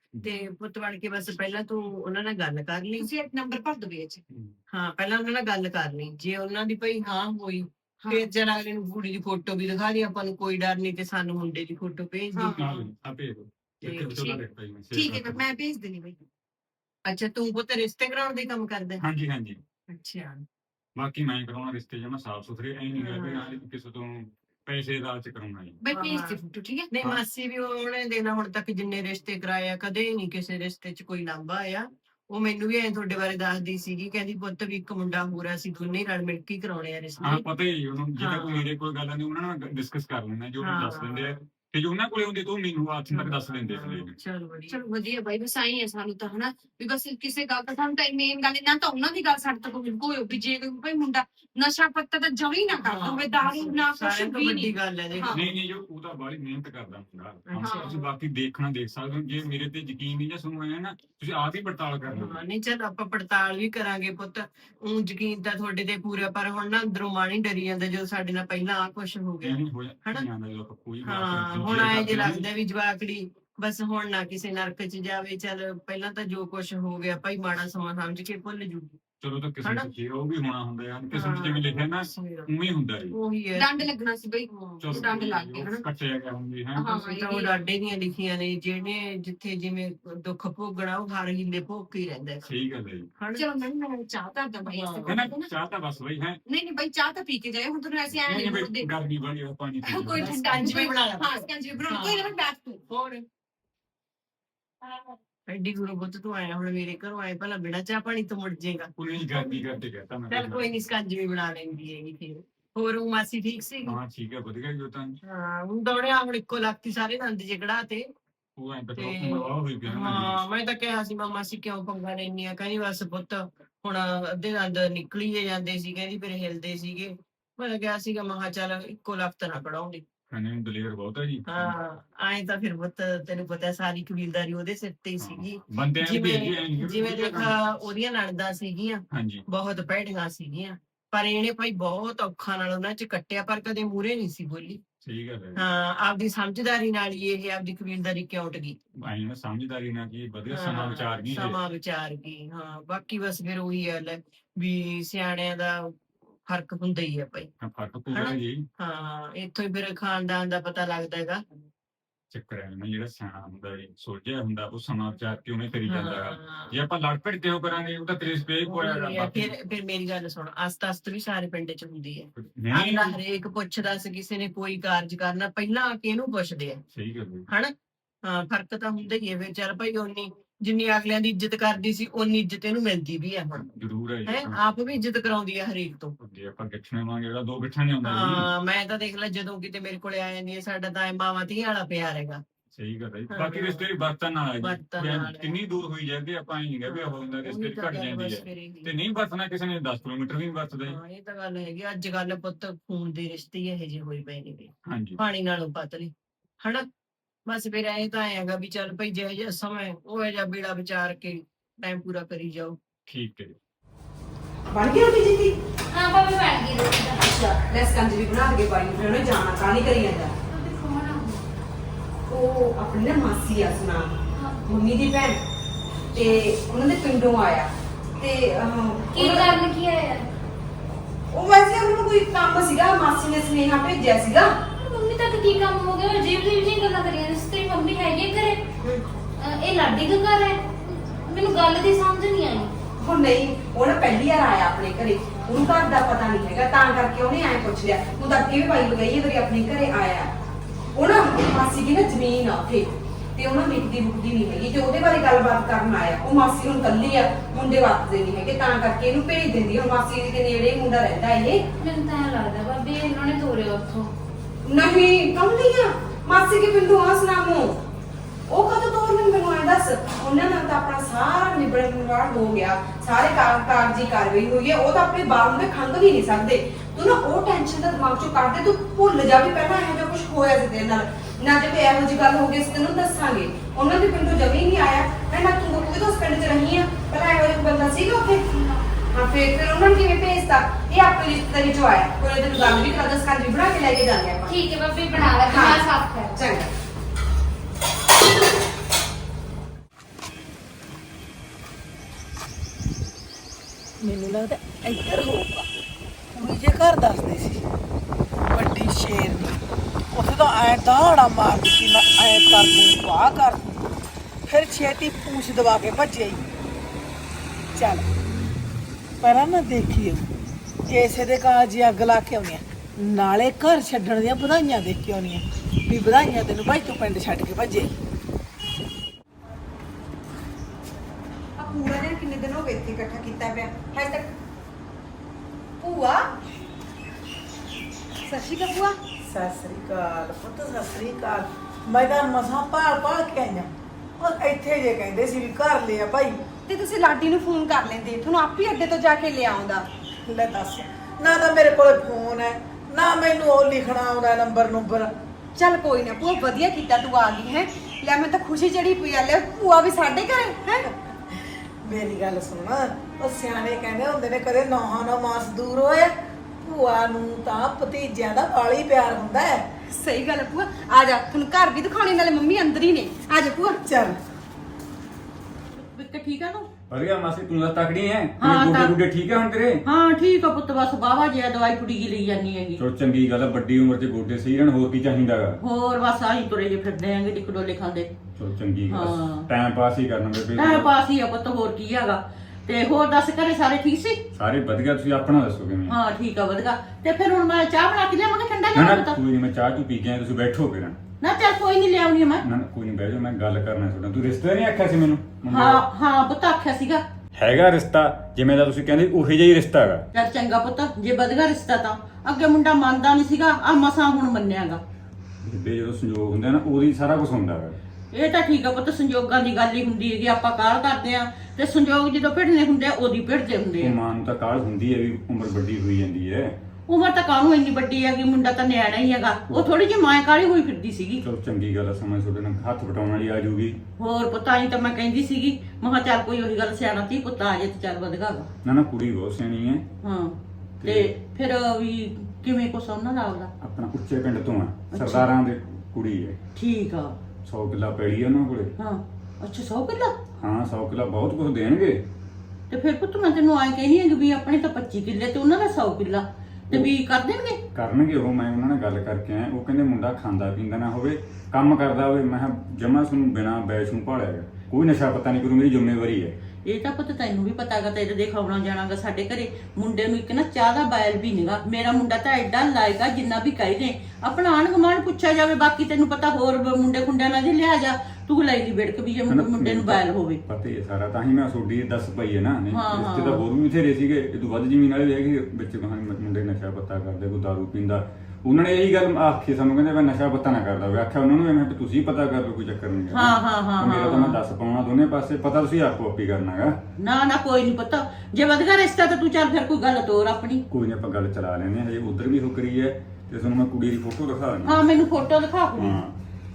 [SPEAKER 3] ਤੇ ਪੁੱਤ ਬਣ ਕੇ ਬਸ ਪਹਿਲਾਂ ਤੂੰ ਉਹਨਾਂ ਨਾਲ ਗੱਲ ਕਰ ਲਈ।
[SPEAKER 4] ਤੁਸੀਂ ਇੱਕ ਨੰਬਰ ਭਰ ਦੋ ਵਿੱਚ।
[SPEAKER 3] ਹਾਂ ਪਹਿਲਾਂ ਉਹਨਾਂ ਨਾਲ ਗੱਲ ਕਰ ਲਈ, ਜੇ ਉਹਨਾਂ ਦੀ ਭਈ ਹਾਂ ਹੋਈ ਫਿਰ ਜਰਾ ਅਗਲੇ ਨੂੰ ਕੁੜੀ ਦੀ ਫੋਟੋ ਵੀ ਦਿਖਾ ਦੀ, ਆਪਾਂ ਨੂੰ ਕੋਈ ਡਰ ਨਹੀਂ, ਤੇ ਸਾਨੂੰ ਮੁੰਡੇ ਦੀ ਫੋਟੋ ਭੇਜ ਦੀ।
[SPEAKER 1] ਆਪੇ
[SPEAKER 4] ਠੀਕ ਹੈ ਮੈਂ ਭੇਜ ਦੇਣੀ ਬਈ।
[SPEAKER 3] ਅੱਛਾ ਤੂੰ ਪੁੱਤ ਰਿਸ਼ਤੇ ਕਰਾਉਣ ਦੇ ਕੰਮ ਕਰਦਾ?
[SPEAKER 1] ਹਾਂਜੀ ਹਾਂਜੀ।
[SPEAKER 3] ਅੱਛਾ
[SPEAKER 1] ਬਾਕੀ ਮੈਂ ਕਰਾਉਣਾ ਰਿਸ਼ਤੇ ਜਮਾ ਸਾਫ ਸੁਥਰੇ, ਐ ਨਹੀਂ ਹੈ ਵੀ ਨਾਲ ਕਿਸੇ ਤੋਂ ਪੈਸੇ ਦਾ ਚ ਕਰਾਉਣਾ ਜੀ।
[SPEAKER 4] ਬਈ ਭੇਜ ਦੇ ਫੋਟੋ ਠੀਕ ਹੈ।
[SPEAKER 3] ਨਹੀਂ ਮਾਸੀ ਵੀ ਉਹਨੇ ਦੇਣਾ, ਹੁਣ ਤੱਕ ਜਿੰਨੇ ਰਿਸ਼ਤੇ ਕਰਾਏ ਆ ਕਦੇ ਨਹੀਂ ਕਿਸੇ ਰਿਸ਼ਤੇ 'ਚ ਕੋਈ ਲਾਂਭਾ ਆਇਆ। ਉਹ ਮੈਨੂੰ ਵੀ ਐ ਤੁਹਾਡੇ ਬਾਰੇ ਦੱਸਦੀ ਸੀਗੀ, ਕਹਿੰਦੀ ਪੁੱਤ ਵੀ ਇੱਕ ਮੁੰਡਾ ਹੋ ਰਿਹਾ ਸੀ, ਦੋਨੇ ਰਲ ਮਿਲ ਕੇ ਕਰਾਉਣੇ ਆ ਰਿਸ਼ਤੇ।
[SPEAKER 1] ਹਾਂ ਪਤਾ ਹੀ ਉਹਨੂੰ, ਜਿਹੜਾ ਕੋਈ ਮੇਰੇ ਕੋਲ ਗੱਲ ਨਹੀਂ ਉਹਨਾਂ ਨਾਲ ਡਿਸਕਸ ਕਰ ਲੈਣਾ, ਜੋ ਮੈਨੂੰ ਦੱਸ ਦਿੰਦੇ ਆ, ਤੇ ਜੋ ਉਹਨਾਂ ਕੋਲੇ ਹੁੰਦੇ ਤੋਂ ਮੈਨੂੰ ਆਥਨ ਤੱਕ ਦੱਸ ਦਿੰਦੇ ਸੀ।
[SPEAKER 4] ਚਲੋ ਵਧੀਆ ਬਾਈ, ਬਸ ਆਈ ਹੈ ਸਾਨੂੰ ਤਾਂ ਹਨਾ ਵੀ ਬਸ ਕਿਸੇ ਗੱਲ ਦਾ ਸਾਨੂੰ ਤਾਂ ਮੇਨ ਗੱਲ ਨਾ ਤਾਂ ਉਹਨਾਂ ਦੀ ਗੱਲ ਸਾਡੇ ਤੱਕ ਕੋਈ ਵੀ ਜੇ ਕੋਈ ਮੁੰਡਾ ਨਸ਼ਾ ਪੱਤਾ ਤਾਂ ਜਮੀ ਨਾ ਕਰਦਾ ਹੋਵੇ, ਦਾਰੂ ਨਾ ਕੁਛ ਵੀ ਨਹੀਂ।
[SPEAKER 3] ਗੱਲ ਹੈ
[SPEAKER 1] ਨਹੀਂ ਜੋ ਉਹ ਤਾਂ ਬੜੀ ਮਿਹਨਤ ਕਰਦਾ ਮੁੰਡਾ। ਤੁਸੀਂ ਬਾਕੀ ਦੇਖਣਾ ਦੇਖ ਸਕਦੇ ਹੋ, ਜੇ ਮੇਰੇ ਤੇ ਯਕੀਨ ਨਹੀਂ ਜਾਂ ਤੁਹਾਨੂੰ ਆਇਆ ਨਾ, ਤੁਸੀਂ ਆਪ ਹੀ ਪੜਤਾਲ ਕਰ ਲਓ।
[SPEAKER 3] ਨਹੀਂ ਚੱਲ ਆਪਾਂ ਪੜਤਾਲ ਵੀ ਕਰਾਂਗੇ ਪੁੱਤ, ਉਹ ਯਕੀਨ ਤਾਂ ਤੁਹਾਡੇ ਤੇ ਪੂਰਾ, ਪਰ ਹੁਣ ਨਾ ਅੰਦਰੋਂ ਮਨ ਹੀ ਡਰੀ ਜਾਂਦਾ ਜਦੋਂ ਸਾਡੇ ਨਾਲ ਪਹਿਲਾਂ ਆ ਕੁਛ ਹੋ ਗਿਆ। ਹਾਂ ਹੁਣ ਆਏ ਜੇ ਲੱਗਦਾ ਵੀ ਜਵਾਕੜੀ ਬਸ ਹੁਣ ਨਾ ਕਿਸੇ ਨਰਕ 'ਚ ਜਾਵੇ। ਚੱਲ ਪਹਿਲਾਂ ਤਾਂ ਜੋ ਕੁਛ ਹੋ ਗਿਆ ਭਾਈ ਮਾੜਾ ਸਮਾਂ ਸਮਝ ਕੇ ਭੁੱਲ ਜੂਗੀ।
[SPEAKER 1] ਚਲੋ ਤਾਂ ਕਿਸਮਤ 'ਚ ਉਹ ਵੀ ਹੋਣਾ ਹੁੰਦਾ ਹੈ, ਕਿਸਮਤ 'ਚ ਜਿਵੇਂ ਲਿਖਿਆ ਨਾ ਉਵੇਂ ਹੁੰਦਾ ਹੈ।
[SPEAKER 3] ਉਹੀ ਹੈ,
[SPEAKER 4] ਡੰਡ ਲੱਗਣਾ ਸੀ ਬਈ, ਡੰਡ ਲੱਗ ਗਿਆ ਹਨਾ।
[SPEAKER 1] ਕੱਟਿਆ ਗਿਆ ਹੁੰਦੀ ਹੈ।
[SPEAKER 3] ਤਾਂ ਉਹ ਡਾਡੇ ਦੀਆਂ ਲਿਖੀਆਂ ਨੇ, ਜਿਹੜੇ ਜਿੱਥੇ ਜਿਵੇਂ ਦੁੱਖ ਭੋਗਣਾ ਉਹ ਹਰ ਹਿੱਲੇ ਭੋਗ ਕੇ ਹੀ ਰਹਿੰਦਾ।
[SPEAKER 1] ਸਹੀ ਗੱਲ ਹੈ ਜੀ।
[SPEAKER 4] ਚਲੋ ਮੈਂ ਚਾਹ ਤਾਂ ਦਾ ਬਈ
[SPEAKER 1] ਚਾਹ ਤਾਂ ਬਸ ਬਈ ਹੈ।
[SPEAKER 4] ਨਹੀਂ ਬਈ ਚਾਹ ਤਾਂ ਪੀ ਕੇ ਜਾਏ, ਹੁਣ ਤੁਹਾਨੂੰ ਐਸੇ ਆਏ ਨਹੀਂ ਬੋਲਦੇ।
[SPEAKER 1] ਗਰਮੀ ਬੜੀ ਆ, ਪਾਣੀ ਪੀ
[SPEAKER 4] ਕੋਈ ਠੰਡਾ
[SPEAKER 3] ਸਕੰਜਵੀ ਬਣਾ ਲਾ।
[SPEAKER 4] ਹਾਂ ਸਕੰਜਵੀ ਬਣਾ, ਕੋਈ ਨਾ ਬੈਠ ਤੂੰ।
[SPEAKER 3] ਹੋਰ ਐਡੀ ਗੁਰੂ ਬੁੱਤ ਤੂੰ ਆਇਆ ਹੁਣ ਮੇਰੇ ਘਰੋਂ ਆਏ, ਭਲਾ ਬਿਨਾਂ ਚਾਹ ਪਾਣੀ ਤੋਂ ਮੁੜ ਜਾਏਗਾ।
[SPEAKER 1] ਕੋਈ ਗਰਮੀ ਕਰਦੇ ਕਹਤਾ ਮੈਂ।
[SPEAKER 3] ਚੱਲ ਕੋਈ ਨਹੀਂ, ਸਕੰਜਵੀ ਬਣਾ ਲੈਂਦੀ ਹੈਗੀ ਫਿਰ। ਹੋਰ ਉਹ ਮਾਸੀ ਠੀਕ ਸੀ?
[SPEAKER 1] ਹਾਂ ਠੀਕ ਹੈ, ਵਧੀਆ ਜੋ ਤਾਂ।
[SPEAKER 3] ਹਾਂ ਹੁਣ ਦੌੜਿਆ, ਹੁਣ ਇੱਕੋ ਲੱਖਤੀ ਸਾਰੇ ਦੰਦ ਜਿਗੜਾ ਤੇ
[SPEAKER 1] ਉਹ ਐਂ ਤਾਂ ਹੋਈ ਗਿਆ ਨਾ।
[SPEAKER 3] ਹਾਂ ਮੈਂ ਤਾਂ ਕਿਹਾ ਸੀ ਮਾਮਾ ਸੀ ਕਿਉਂ ਪੰਗਾ ਲੈਣੀ ਆ, ਕਹਿੰਦੀ ਬਸ ਪੁੱਤ ਹੁਣ ਅੱਧੇ ਦੰਦ ਨਿਕਲੀ ਜਾਂਦੇ ਸੀ, ਕਹਿੰਦੀ ਫਿਰ ਹਿਲਦੇ ਸੀਗੇ। ਮੈਂ ਤਾਂ ਕਿਹਾ ਸੀਗਾ ਮਹਾ ਚੱਲ ਇੱਕੋ ਲੱਖ ਨਾ ਕਢਾਉਂਦੀ।
[SPEAKER 1] ਕਹਿੰਦੇ ਦਲੇਰ ਬਹੁਤ ਹੈ ਜੀ।
[SPEAKER 3] ਹਾਂ ਆਏ ਤਾਂ ਫਿਰ ਪੁੱਤ ਤੈਨੂੰ ਪਤਾ ਸਾਰੀ ਕਬੀਲਦਾਰੀ ਉਹਦੇ ਸਿਰ ਤੇ ਹੀ ਸੀਗੀ।
[SPEAKER 1] ਬੰਦਿਆਂ ਦੀ
[SPEAKER 3] ਜਿਵੇਂ ਦੇਖਾ ਉਹਦੀਆਂ ਨਣਦਾਂ ਸੀਗੀਆਂ
[SPEAKER 1] ਹਾਂਜੀ
[SPEAKER 3] ਬਹੁਤ ਭੈੜੀਆਂ ਸੀਗੀਆਂ, ਪਰ ਇਹਨੇ ਭਾਈ ਬਹੁਤ ਔਖਾ ਨਾਲ ਉਹਨਾਂ 'ਚ ਕੱਟਿਆ, ਪਰ ਕਦੇ ਮੂਹਰੇ ਨਹੀਂ ਸੀ ਬੋਲੀ।
[SPEAKER 1] ਸਹੀ ਗੱਲ ਹੈ।
[SPEAKER 3] ਹਾਂ ਆਪਦੀ ਸਮਝਦਾਰੀ ਨਾਲ ਹੀ ਇਹ ਆਪਦੀ ਕਬੀਲਦਾਰੀ ਕਿਉਂ ਟਗੀ।
[SPEAKER 1] ਆਈ ਨਾ ਸਮਝਦਾਰੀ ਨਾਲ ਕੀ ਵਧੀਆ ਸਮਾਂ ਵਿਚਾਰ ਗਈ।
[SPEAKER 3] ਸਮਾਂ ਵਿਚਾਰ ਗਈ। ਹਾਂ ਬਾਕੀ ਬਸ ਫਿਰ ਉਹੀ ਗੱਲ ਹੈ ਵੀ ਸਿਆਣਿਆਂ ਦਾ ਫਰਕ ਹੁੰਦਾ ਹੀ ਹੈ ਭਾਈ।
[SPEAKER 1] ਫਰਕ ਪੂਰਾ ਜੀ।
[SPEAKER 3] ਹਾਂ ਇੱਥੋਂ ਹੀ ਫਿਰ ਖਾਨਦਾਨ ਦਾ ਪਤਾ ਲੱਗਦਾ ਹੈਗਾ।
[SPEAKER 1] ਚੱਕਰ ਹੈ ਨਾ, ਜਿਹੜਾ ਸਿਆਣਾ ਹੁੰਦਾ ਹੈ ਸੋਚਿਆ ਹੁੰਦਾ ਉਹ ਸਮਾਂ ਵਿਚਾਰ ਕੇ ਉਹਨੇ ਕਰੀ ਜਾਂਦਾ ਹੈ। ਜੇ ਆਪਾਂ ਲੜ ਭਿੜ ਕੇ ਉਹ ਕਰਾਂਗੇ ਉਹ ਤਾਂ ਕ੍ਰੇਸ ਪੇ ਹੋਇਆ।
[SPEAKER 3] ਫਿਰ ਮੇਰੀ ਗੱਲ ਸੁਣ, ਅਸਤ ਵੀ ਸਾਰੇ ਪਿੰਡ 'ਚ ਹੁੰਦੀ ਹੈ।
[SPEAKER 1] ਨਹੀਂ
[SPEAKER 3] ਹਰੇਕ ਪੁੱਛਦਾ ਸੀ ਕਿਸੇ ਨੇ ਕੋਈ ਕਾਰਜ ਕਰਨਾ ਪਹਿਲਾਂ ਕਿਹਨੂੰ ਪੁੱਛਦੇ ਆ।
[SPEAKER 1] ਸਹੀ ਗੱਲ ਹੈ।
[SPEAKER 3] ਹਨਾ ਹਾਂ ਫਰਕ ਤਾਂ ਹੁੰਦਾ ਹੀ ਹੈ। ਫਿਰ ਚੱਲ ਭਾਈ ਉਨੀ ਜਿੰਨੀ ਅਗਲਿਆਂ ਦੀ ਇੱਜ਼ਤ ਕਰਦੀ ਸੀ ਉਨੀ ਇੱਜ਼ਤ ਇਹਨੂੰ ਮਿਲਦੀ ਵੀ ਹੈ ਹੁਣ।
[SPEAKER 1] ਜ਼ਰੂਰ ਹੈ
[SPEAKER 3] ਹੈ ਆਪ ਵੀ ਇੱਜ਼ਤ ਕਰਾਉਂਦੀ ਹੈ ਹਰੇਕ ਤੋਂ।
[SPEAKER 1] ਜੇ ਆਪਾਂ ਗਿੱਠਣੇ ਵਾਂਗੇ ਜਿਹੜਾ ਦੋ ਗਿੱਠਾ ਨਹੀਂ ਹੁੰਦਾ।
[SPEAKER 3] ਹਾਂ ਮੈਂ ਤਾਂ ਦੇਖ ਲੈ ਜਦੋਂ ਕਿਤੇ ਮੇਰੇ ਕੋਲੇ ਆ ਜਾਂਦੀ ਹੈ, ਸਾਡਾ ਤਾਂ ਮਾਵਾਂ ਧੀਆਂ ਵਾਲਾ ਪਿਆਰ ਹੈਗਾ।
[SPEAKER 1] ਸਹੀ ਗੱਲ ਹੈ। ਬਾਕੀ ਰਿਸ਼ਤੇ ਦੀ ਬਰਤਨ ਨਾਲ ਹੈ, ਕਿੰਨੀ ਦੂਰ ਹੋਈ ਜਾਂਦੀ ਆਪਾਂ ਹੀ ਨਹੀਂ ਵੀ ਉਹ ਹੁੰਦਾ ਰਿਸ਼ਤੇ ਘਟ ਜਾਂਦੀ ਹੈ। ਤੇ ਨਹੀਂ ਵਰਤਣਾ ਕਿਸੇ ਨੇ 10 ਕਿਲੋਮੀਟਰ ਵੀ ਨਹੀਂ ਵਰਤਦਾ।
[SPEAKER 3] ਹਾਂ ਇਹ ਤਾਂ ਗੱਲ ਹੈਗੀ। ਅੱਜ ਕੱਲ ਪੁੱਤ ਖੂਨ ਦੇ ਰਿਸ਼ਤੇ ਇਹੋ ਜਿਹੇ ਹੋਈ ਪਏ ਨੇ
[SPEAKER 1] ਹਾਂਜੀ
[SPEAKER 3] ਪਾਣੀ ਨਾਲੋਂ ਪਤਲੇ ਹਨਾ। ਬਸ ਫਿਰ ਐ ਤਾਂ ਹੈਗਾ ਵੀ ਚੱਲ ਭਾਈ ਜਿਹੋ ਜਿਹਾ ਸਮਾਂ ਉਹ ਜਿਹਾ ਬੇੜਾ ਵਿਚਾਰ ਕੇ ਟਾਈਮ ਪੂਰਾ ਕਰੀ ਜਾਓ।
[SPEAKER 1] ਠੀਕ ਹੈ।
[SPEAKER 3] ਬਣ ਗਈ ਰੋਟੀ ਜੀ?
[SPEAKER 2] ਹਾਂ ਭਾਬੀ ਬਣ ਗਈ ਰੋਟੀ ਤਾਂ।
[SPEAKER 3] ਅੱਛਾ ਲੈ ਸਕੰਜਵੀ ਬਣਾ ਕੇ ਪਾਈ, ਫਿਰ ਉਹਨੇ ਜਾਣਾ ਕਾਹਲੀ ਕਰੀ ਜਾਂਦਾ।
[SPEAKER 2] ਭਾਬੀ ਕੌਣ ਆ?
[SPEAKER 3] ਉਹ ਆਪਣੀ ਨਾ ਮਾਸੀ ਆ ਸੁਣਾ ਮੰਮੀ ਦੀ ਭੈਣ, ਤੇ ਉਹਨਾਂ ਦੇ ਪਿੰਡੋਂ ਆਇਆ ਤੇ
[SPEAKER 2] ਕੀ ਕਰਨ ਕੀ ਆਇਆ?
[SPEAKER 3] ਉਹ ਵੈਸੇ ਉਹਨਾਂ ਨੂੰ ਕੋਈ ਕੰਮ ਸੀਗਾ, ਮਾਸੀ ਨੇ ਸੁਨੇਹਾ ਭੇਜਿਆ ਸੀਗਾ।
[SPEAKER 2] ਮੰਮੀ ਤੱਕ ਕੀ ਕੰਮ ਹੋ ਗਿਆ? ਜੀਵ ਜੀ ਗੱਲਾਂ ਕਰੀਆਂ ਨੇ। ਤੇਰੀ ਮੰਮੀ ਹੈਗੀ ਘਰੇ? ਇਹ ਲਾਡੀ ਦਾ ਘਰ ਹੈ? ਮੈਨੂੰ ਗੱਲ ਦੀ ਸਮਝ ਨਹੀਂ ਆਈ।
[SPEAKER 3] ਉਹ ਨਹੀਂ ਉਹ ਨਾ ਪਹਿਲੀ ਵਾਰ ਆਇਆ ਆਪਣੇ ਘਰੇ, ਉਹਨੂੰ ਘਰ ਦਾ ਪਤਾ ਨਹੀਂ ਹੈਗਾ, ਤਾਂ ਕਰਕੇ ਉਹਨੇ ਐਂ ਪੁੱਛ ਲਿਆ। ਉਹ ਤਾਂ ਅੱਗੇ ਵੀ ਪਾਈ ਲਗਾਈ ਹੈ ਆਪਣੇ ਘਰੇ ਆਇਆ। ਉਹ ਨਾ ਮਾਸੀ ਦੀ ਨਾ ਜ਼ਮੀਨ ਆ ਉੱਥੇ, ਤੇ ਉਹਨਾਂ ਵਿਕਦੀ ਬੁਕਦੀ ਨਹੀਂ ਹੈਗੀ, ਤੇ ਉਹਦੇ ਬਾਰੇ ਗੱਲਬਾਤ ਕਰਨ ਆਇਆ। ਉਹ ਮਾਸੀ ਹੁਣ ਕੱਲੀ ਆ, ਮੁੰਡੇ ਵਰਤਦੇ ਨਹੀਂ ਹੈਗੇ, ਤਾਂ ਕਰਕੇ ਇਹਨੂੰ ਭੇਜ ਦਿੰਦੀ। ਹੁਣ ਮਾਸੀ ਦੇ ਨੇੜੇ ਹੀ ਮੁੰਡਾ ਰਹਿੰਦਾ ਇਹ।
[SPEAKER 2] ਮੈਨੂੰ ਤਾਂ ਐਂ ਲੱਗਦਾ ਭਾਬੀ ਇਹਨਾਂ ਨੇ ਤੋਰਿਆ ਉੱਥੋਂ।
[SPEAKER 3] ਨਹੀਂ ਕਮਲੀਆਂ ਮਾਸੀ ਕੇ ਪਿੰਡੋਂ ਆ ਸੁਣਾਮੋ। ਉਹ ਕਦੋਂ ਤੋਰ ਮੈਨੂੰ ਐਂ ਦੱਸ। ਉਹਨਾਂ ਨਾਲ ਤਾਂ ਆਪਣਾ ਸਾਰਾ ਨਿਬੜਨ ਹੋ ਗਿਆ, ਸਾਰੇ ਕਾਗਜ਼ੀ ਕਾਰਵਾਈ ਹੋਈ ਹੈ। ਉਹ ਤਾਂ ਆਪਣੇ ਬਾਲ ਨੂੰ ਖੰਗ ਵੀ ਨਹੀਂ ਸਕਦੇ। ਤੂੰ ਨਾ ਉਹ ਟੈਨਸ਼ਨ ਦਾ ਦਿਮਾਗ ਚੋਂ ਕੱਢ ਦੇ, ਤੂੰ ਭੁੱਲ ਜਾ ਵੀ ਪਹਿਲਾਂ ਇਹੋ ਜਿਹਾ ਕੁਝ ਹੋਇਆ ਸੀ ਤੇਰੇ ਨਾਲ। ਨਾ ਜੇ ਕੋਈ ਇਹੋ ਜਿਹੀ ਗੱਲ ਹੋ ਗਈ ਸੀ ਤੈਨੂੰ ਦੱਸਾਂਗੇ। ਉਹਨਾਂ ਦੇ ਪਿੰਡੋਂ ਜਮੀ ਨਹੀਂ ਆਇਆ। ਮੈਂ ਨਾ ਤੂੰ ਕੋਈ ਤਾਂ ਉਸ ਪਿੰਡ 'ਚ ਰਹੀ ਆ, ਪਹਿਲਾਂ ਇਹੋ ਜਿਹਾ ਬੰਦਾ ਸੀਗਾ ਉੱਥੇ। ਹਾਂ ਫਿਰ ਉਹਨਾਂ ਨੂੰ ਕਿਵੇਂ ਭੇਜਤਾ? ਇਹ ਆਪਣੀ ਰਿਸ਼ਤੇਦਾਰੀ 'ਚੋਂ ਆਇਆ। ਕੋਈ ਤੈਨੂੰ ਗੱਲ ਵੀ ਕਰਾ ਦੱਸ, ਘਰ ਵੀ ਬਣਾ ਕੇ ਲੈ ਕੇ ਜਾਂਦੇ ਆਪਾਂ।
[SPEAKER 2] ਠੀਕ ਹੈ ਭਾਬੀ ਬਣਾ ਲੈ, ਮੈਂ ਸਾਫ਼ ਕਰ।
[SPEAKER 3] ਚੰਗਾ
[SPEAKER 5] ਮੈਨੂੰ ਲੱਗਦਾ ਇੱਧਰ ਹੋਊਗਾ। ਕੁੜੀ ਜੇ ਘਰ ਦੱਸਦੇ ਸੀ ਵੱਡੀ ਸ਼ੇਰਨੀ, ਉੱਥੇ ਤਾਂ ਐ ਦਾੜਾ ਮਾਰਦੀ ਸੀ, ਮੈਂ ਐ ਕਰ ਦੂੰ ਵਾਹ ਕਰ ਦੂੰ, ਫਿਰ ਛੇਤੀ ਪੂਛ ਦਬਾ ਕੇ ਭੱਜਿਆ ਹੀ। ਚੱਲ ਪਹਿਲਾਂ ਨਾ ਦੇਖੀਏ ਇਸੇ ਦੇ ਕਾਜ ਅੱਗ ਲਾ ਕੇ ਆਉਣੀ ਆ, ਨਾਲੇ ਘਰ ਛੱਡਣ ਦੀਆਂ ਵਧਾਈਆਂ ਦੇਖ ਕੇ ਆਉਣੀਆਂ ਵੀ ਵਧਾਈਆਂ ਤੈਨੂੰ ਭਾਈ, ਤੂੰ ਪਿੰਡ ਛੱਡ ਕੇ ਭੱਜੇ।
[SPEAKER 6] ਆ ਪੂਰਾ ਨੇ ਕਿੰਨੇ ਦਿਨ ਹੋ ਗਏ ਇੱਥੇ ਇਕੱਠਾ ਕੀਤਾ ਪਿਆ ਹਜੇ ਤੱਕ। ਭੂਆ ਸਤਿ ਸ਼੍ਰੀ ਅਕਾਲ ਭੂਆ।
[SPEAKER 5] ਸਤਿ ਸ੍ਰੀ ਅਕਾਲ ਪੁੱਤ, ਸਤਿ ਸ੍ਰੀ ਅਕਾਲ। ਮੈਂ ਤਾਂ ਮਸਾਂ ਭਾਲ ਕੇ ਆਈਆਂ, ਉਹ ਇੱਥੇ ਜੇ ਕਹਿੰਦੇ ਸੀ ਵੀ ਘਰ ਲਿਆ ਭਾਈ।
[SPEAKER 6] ਤੇ ਤੁਸੀਂ ਲਾਡੀ ਨੂੰ ਫੋਨ ਕਰ ਲੈਂਦੇ, ਤੁਹਾਨੂੰ ਆਪ ਹੀ ਅੱਡੇ ਤੋਂ ਜਾ ਕੇ ਲਿਆਉਂਦਾ।
[SPEAKER 5] ਲੈ ਦੱਸ, ਨਾ ਤਾਂ ਮੇਰੇ ਕੋਲ ਫੋਨ ਹੈ, ਨਾ ਮੈਨੂੰ ਉਹ ਲਿਖਣਾ ਆਉਂਦਾ ਨੰਬਰ।
[SPEAKER 6] ਚੱਲ ਕੋਈ ਨਾ ਭੂਆ, ਵਧੀਆ ਕੀਤਾ ਤੂੰ ਆ ਗਈ ਹੈ। ਲੈ ਮੈਂ ਤਾਂ ਖੁਸ਼ੀ ਚੜੀ ਪਈ ਆ, ਲੈ ਭੂਆ ਵੀ ਸਾਡੇ ਘਰੇ ਹੈ।
[SPEAKER 5] ਮੇਰੀ ਗੱਲ ਸੁਣ, ਉਹ ਸਿਆਣੇ ਕਹਿੰਦੇ ਹੁੰਦੇ ਨੇ ਕਦੇ ਨੌਹਾਂ ਨਾਲ ਮਾਸ ਦੂਰ ਹੋਇਆ, ਭੂਆ ਨੂੰ ਤਾਂ ਭਤੀਜਿਆਂ ਦਾ ਵਾਲੀ ਪਿਆਰ ਹੁੰਦਾ ਹੈ।
[SPEAKER 6] ਸਹੀ ਗੱਲ ਹੈ ਭੂਆ, ਆ ਜਾ ਤੁਹਾਨੂੰ ਘਰ ਵੀ ਦਿਖਾਉਣੇ, ਨਾਲੇ ਮੰਮੀ ਅੰਦਰ ਹੀ ਨੇ। ਆ ਜਾ ਭੂਆ।
[SPEAKER 5] ਚੱਲ
[SPEAKER 7] ਬਿੱਕੇ ਠੀਕ ਆ ਤੂੰ?
[SPEAKER 1] ਵਧੀਆ ਮਾਸੀ, ਤੂੰ ਤਾਂ ਤਕੜੀ ਹੈ।
[SPEAKER 7] ਹਾਂ,
[SPEAKER 1] ਗੋਡੇ
[SPEAKER 7] ਤਾਂ-
[SPEAKER 1] ਗੁੱਡੇ ਠੀਕ ਹੈ ਹੁਣ ਤੇਰੇ?
[SPEAKER 7] ਹਾਂ ਠੀਕ ਆ ਪੁੱਤ, ਬਸ ਬਾਵਾ ਜਿਹਾ ਦਵਾਈ ਕੁੜੀ ਜੀ ਲਈ ਜਾਨੀ ਹੈਗੀ।
[SPEAKER 1] ਚਲੋ ਚੰਗੀ ਗੱਲ ਹੈ, ਵੱਡੀ ਉਮਰ 'ਚ ਗੋਡੇ ਸਹੀ ਰਹਿਣ, ਹੋਰ ਕੀ ਚਾਹੀਦਾਗਾ।
[SPEAKER 7] ਹੋਰ ਬਸ ਆਹੀ ਤੁਰੇ ਜੇ ਫਿਰਦੇ ਆਂਗੇ ਡਿੱਕ ਡੋਲੇ ਖਾਂਦੇ।
[SPEAKER 1] ਚਲੋ ਚੰਗੀ ਗੱਲ,
[SPEAKER 7] ਹਾਂ।
[SPEAKER 1] ਟਾਈਮ ਪਾਸ ਹੀ ਕਰਨਾ ਬੇਬੇ।
[SPEAKER 7] ਟਾਈਮ ਪਾਸ ਹੀ ਆ ਪੁੱਤ, ਹੋਰ ਕੀ ਹੈਗਾ। ਤੇ ਹੋਰ ਦੱਸ ਘਰੇ ਸਾਰੇ ਠੀਕ ਸੀ?
[SPEAKER 1] ਸਾਰੇ ਵਧੀਆ, ਤੁਸੀਂ ਆਪਣਾ ਦੱਸੋ ਕਿਵੇਂ?
[SPEAKER 7] ਹਾਂ ਠੀਕ ਆ ਵਧੀਆ। ਤੇ ਫਿਰ ਹੁਣ ਮੈਂ ਚਾਹ ਬਣਾ ਕੇ ਲਿਆਵਾਂਗਾ, ਠੰਡਾ
[SPEAKER 1] ਨਾ
[SPEAKER 7] ਲਿਆਵਾਂ
[SPEAKER 1] ਨਾ
[SPEAKER 7] ਪੁੱਤ?
[SPEAKER 1] ਕੋਈ ਨਹੀਂ, ਮੈਂ ਚਾਹ ਚੂ ਪੀ ਕੇ ਆਇਆ, ਤੁਸੀਂ ਬੈਠੋ ਫਿਰ।
[SPEAKER 7] ਨਾ ਚੱਲ ਕੋਈ ਨਹੀਂ ਲਿਆਉਣੀ ਮੈਂ।
[SPEAKER 1] ਨਾ ਨਾ ਕੋਈ ਨਹੀਂ, ਬਹਿ ਜਾਓ, ਮੈਂ ਗੱਲ ਕਰਨਾ ਤੁਹਾਡਾ। ਤੂੰ ਰਿਸ਼ਤਾ ਨਹੀਂ ਆਖਿਆ ਸੀ ਮੈਨੂੰ ਮੁੰਡੇ
[SPEAKER 7] ਹਾਂ
[SPEAKER 1] ਦਾ?
[SPEAKER 7] ਹਾਂ ਪੁੱਤ ਆਖਿਆ ਸੀਗਾ।
[SPEAKER 1] ਹੈਗਾ ਰਿਸ਼ਤਾ ਜਿਵੇਂ ਦਾ ਤੁਸੀਂ ਕਹਿੰਦੇ, ਉਹੋ ਜਿਹਾ ਹੀ ਰਿਸ਼ਤਾ ਹੈਗਾ।
[SPEAKER 7] ਚੱਲ ਚੰਗਾ ਪੁੱਤ, ਜੇ ਵਧੀਆ ਰਿਸ਼ਤਾ ਤਾਂ ਅੱਗੇ ਮੁੰਡਾ ਮੰਨਦਾ ਨਹੀਂ ਸੀਗਾ, ਆ ਮਸਾਂ ਹੁਣ ਮੰਨਿਆਗਾ।
[SPEAKER 1] ਬੇਬੇ ਜਦੋਂ ਸੰਜੋਗ ਹੁੰਦਾ ਨਾ, ਉਹਦੀ ਸਾਰਾ ਕੁਝ ਹੁੰਦਾ ਹੈਗਾ।
[SPEAKER 7] ਇਹ ਤਾਂ ਠੀਕ ਆ ਪੁੱਤ, ਸੰਜੋਗਾਂ ਦੀ ਗੱਲ ਹੀ ਹੁੰਦੀ ਹੈਗੀ, ਆਪਾਂ ਕਾਹਲ ਕਰਦੇ ਆ ਤੇ ਸੰਜੋਗ ਜਦੋਂ ਭਿੜਨੇ ਹੁੰਦੇ ਆ ਉਹਦੀ ਭਿੜਦੇ ਹੁੰਦੇ
[SPEAKER 1] ਉਹ
[SPEAKER 7] ਆ।
[SPEAKER 1] ਮਾਂ ਨੂੰ ਤਾਂ ਕਾਹਲ ਹੁੰਦੀ ਹੈ ਵੀ ਉਮਰ ਵੱਡੀ ਹੋਈ ਜਾਂਦੀ ਹੈ।
[SPEAKER 7] ਉਮਰ ਤਾਂ ਕਾਹਨੂੰ ਇੰਨੀ ਵੱਡੀ ਹੈਗੀ, ਮੁੰਡਾ ਤਾਂ ਨਿਆਣਾ ਹੀ ਹੈਗਾ। ਉਹ ਥੋੜੀ ਜਿਹੀ ਮਾਂ ਕਾਲੀ ਹੋਈ ਫਿਰਦੀ ਸੀਗੀ।
[SPEAKER 1] ਚਲੋ ਚੰਗੀ ਗੱਲ ਆ, ਸਮਝ ਤੁਹਾਡੇ ਨਾਲ ਹੱਥ ਵਟਾਉਣ ਵਾਲੀ ਆ ਜੂਗੀ।
[SPEAKER 7] ਹੋਰ ਪੁੱਤ ਆਈ ਤਾਂ ਮੈਂ ਕਹਿੰਦੀ ਸੀਗੀ, ਮੈਂ ਕਿਹਾ ਚੱਲ ਕੋਈ ਉਹੀ ਗੱਲ ਸਿਆਣਾ ਤੀ ਪੁੱਤ ਆ ਜੇ ਤੇ ਚੱਲ ਵਧਗਾ ਗਾ।
[SPEAKER 1] ਨਾ ਨਾ ਕੁੜੀ ਬਹੁਤ ਸਿਆਣੀ ਹੈ।
[SPEAKER 7] ਹਾਂ ਤੇ ਫਿਰ ਵੀ ਕਿਵੇਂ ਕੁਛ ਉਹਨਾਂ ਦਾ ਆਉਂਦਾ?
[SPEAKER 1] ਆਪਣਾ ਉੱਚੇ ਪਿੰਡ ਤੋਂ ਆ, ਸਰਦਾਰਾਂ ਦੇ ਕੁੜੀ ਹੈ।
[SPEAKER 7] ਠੀਕ ਆ।
[SPEAKER 1] 100 ਕਿੱਲਾ ਪੈੜੀ ਆ ਉਹਨਾਂ ਕੋਲੇ।
[SPEAKER 7] ਹਾਂ ਅੱਛਾ 100 ਕਿੱਲਾ?
[SPEAKER 1] ਹਾਂ 100 ਕਿੱਲਾ ਬਹੁਤ ਕੁਝ ਦੇਣਗੇ।
[SPEAKER 7] ਤੇ ਫਿਰ ਪੁੱਤ ਮੈਂ ਤੈਨੂੰ ਆਏ ਕਹਿੰਦੀ ਹਾਂ ਵੀ ਆਪਣੇ ਤਾਂ 25 ਕਿੱਲੇ ਤੇ ਉਹਨਾਂ ਦਾ 100 ਕਿੱਲਾ ਤੇ ਵੀ ਕਰ ਦੇਣਗੇ।
[SPEAKER 1] ਕਰਨਗੇ ਉਹ, ਮੈਂ ਉਹਨਾਂ ਨਾਲ ਗੱਲ ਕਰਕੇ ਆਇਆ। ਉਹ ਕਹਿੰਦੇ ਮੁੰਡਾ ਖਾਂਦਾ ਪੀਂਦਾ ਨਾ ਹੋਵੇ, ਕੰਮ ਕਰਦਾ ਹੋਵੇ। ਮੈਂ ਕਿਹਾ ਜਮਾ ਸੁਣ ਬਿਨਾ ਬੈਸ਼ ਨੂੰ ਭਾਲਿਆ ਗਿਆ, ਕੋਈ ਨਸ਼ਾ ਪਤਾ ਨਹੀਂ ਕਰੂ, ਮੇਰੀ ਜ਼ਿੰਮੇਵਾਰੀ ਹੈ।
[SPEAKER 7] ਇਹ ਤਾਂ ਪੁੱਤ ਤੈਨੂੰ ਵੀ ਪਤਾਗਾ, ਤੇਰੇ ਦੇਖ ਆਉਣਾ ਜਾਣਾਗਾ ਸਾਡੇ ਘਰੇ। ਮੁੰਡੇ ਨੂੰ ਇੱਕ ਨਾ ਚਾਹ ਦਾ ਬਾਇਲ ਵੀ ਨਹੀਂਗਾ। ਮੇਰਾ ਮੁੰਡਾ ਤਾਂ ਐਡਾ ਲਾਇਕਾ ਜਿੰਨਾ ਵੀ ਕਹੀ ਆਪਣਾ ਆਣ ਗਮਾਨ ਪੁੱਛਿਆ ਜਾਵੇ, ਬਾਕੀ ਤੈਨੂੰ ਪਤਾ ਹੋਰ ਮੁੰਡੇ ਖੁੰਡਿਆਂ ਨਾਲ ਦੀ ਲਿਆ ਜਾ ਤੂੰ ਲਈ ਦੀ ਬਿੜਕ ਵੀ ਜੇ ਮੁੰਡੇ ਨੂੰ ਬਾਇਲ ਹੋਵੇ।
[SPEAKER 1] ਪਤਾ ਹੀ ਹੈ ਸਾਰਾ, ਤਾਂ ਹੀ ਮੈਂ ਤੁਹਾਡੀ ਦੱਸ ਪਈ ਹੈ ਨਾ। ਨਹੀਂ
[SPEAKER 7] ਹਾਂ,
[SPEAKER 1] ਰਿਸ਼ਤੇ ਤਾਂ ਹੋਰ ਵੀ ਬਥੇਰੇ ਸੀਗੇ, ਇਹ ਤੋਂ ਵੱਧ ਜ਼ਮੀਨ ਵਾਲੇ ਵੀ ਹੈਗੇ ਵਿੱਚ। ਮੁੰਡੇ ਨਸ਼ਾ ਪੱਤਾ ਕਰਦੇ, ਕੋਈ ਦਾਰੂ ਪੀਂਦਾ। ਉਹਨਾਂ ਨੇ ਇਹੀ ਗੱਲ ਆਖੀ ਸਾਨੂੰ, ਕਹਿੰਦੇ ਮੈਂ ਨਸ਼ਾ ਪੱਤਾ ਨਾ ਕਰਦਾ ਹੋਵੇ। ਆਖਿਆ ਉਹਨਾਂ ਨੂੰ ਮੈਂ ਤੁਸੀਂ ਪਤਾ ਕਰ ਲਓ, ਕੋਈ ਚੱਕਰ ਨਹੀਂ।
[SPEAKER 7] ਹਾਂ
[SPEAKER 1] ਮੇਰਾ ਤਾਂ ਮੈਂ ਦੱਸ ਪਾਉਣਾ ਦੋਨੇ ਪਾਸੇ, ਪਤਾ ਤੁਸੀਂ ਆਪੋ ਆਪੀ ਕਰਨਾ ਹੈਗਾ।
[SPEAKER 7] ਨਾ ਨਾ ਕੋਈ ਨਹੀਂ ਪਤਾ, ਜੇ ਵਧਗਾ ਰਿਸ਼ਤਾ ਤਾਂ ਤੂੰ ਚੱਲ ਫਿਰ ਕੋਈ ਗੱਲ ਤੋਰ ਆਪਣੀ।
[SPEAKER 1] ਕੋਈ ਨਹੀਂ, ਆਪਾਂ ਗੱਲ ਚਲਾ ਲੈਂਦੇ ਹਾਂ। ਹਜੇ ਉਧਰ ਵੀ ਹੋ ਕਰੀ ਹੈ ਤੇ ਤੁਹਾਨੂੰ ਮੈਂ ਕੁੜੀ ਦੀ ਫੋਟੋ ਦਿਖਾ ਦਿੰਦਾ।
[SPEAKER 7] ਹਾਂ ਮੈਨੂੰ ਫੋਟੋ ਦਿਖਾ ਕੁੜੀ।
[SPEAKER 1] ਹਾਂ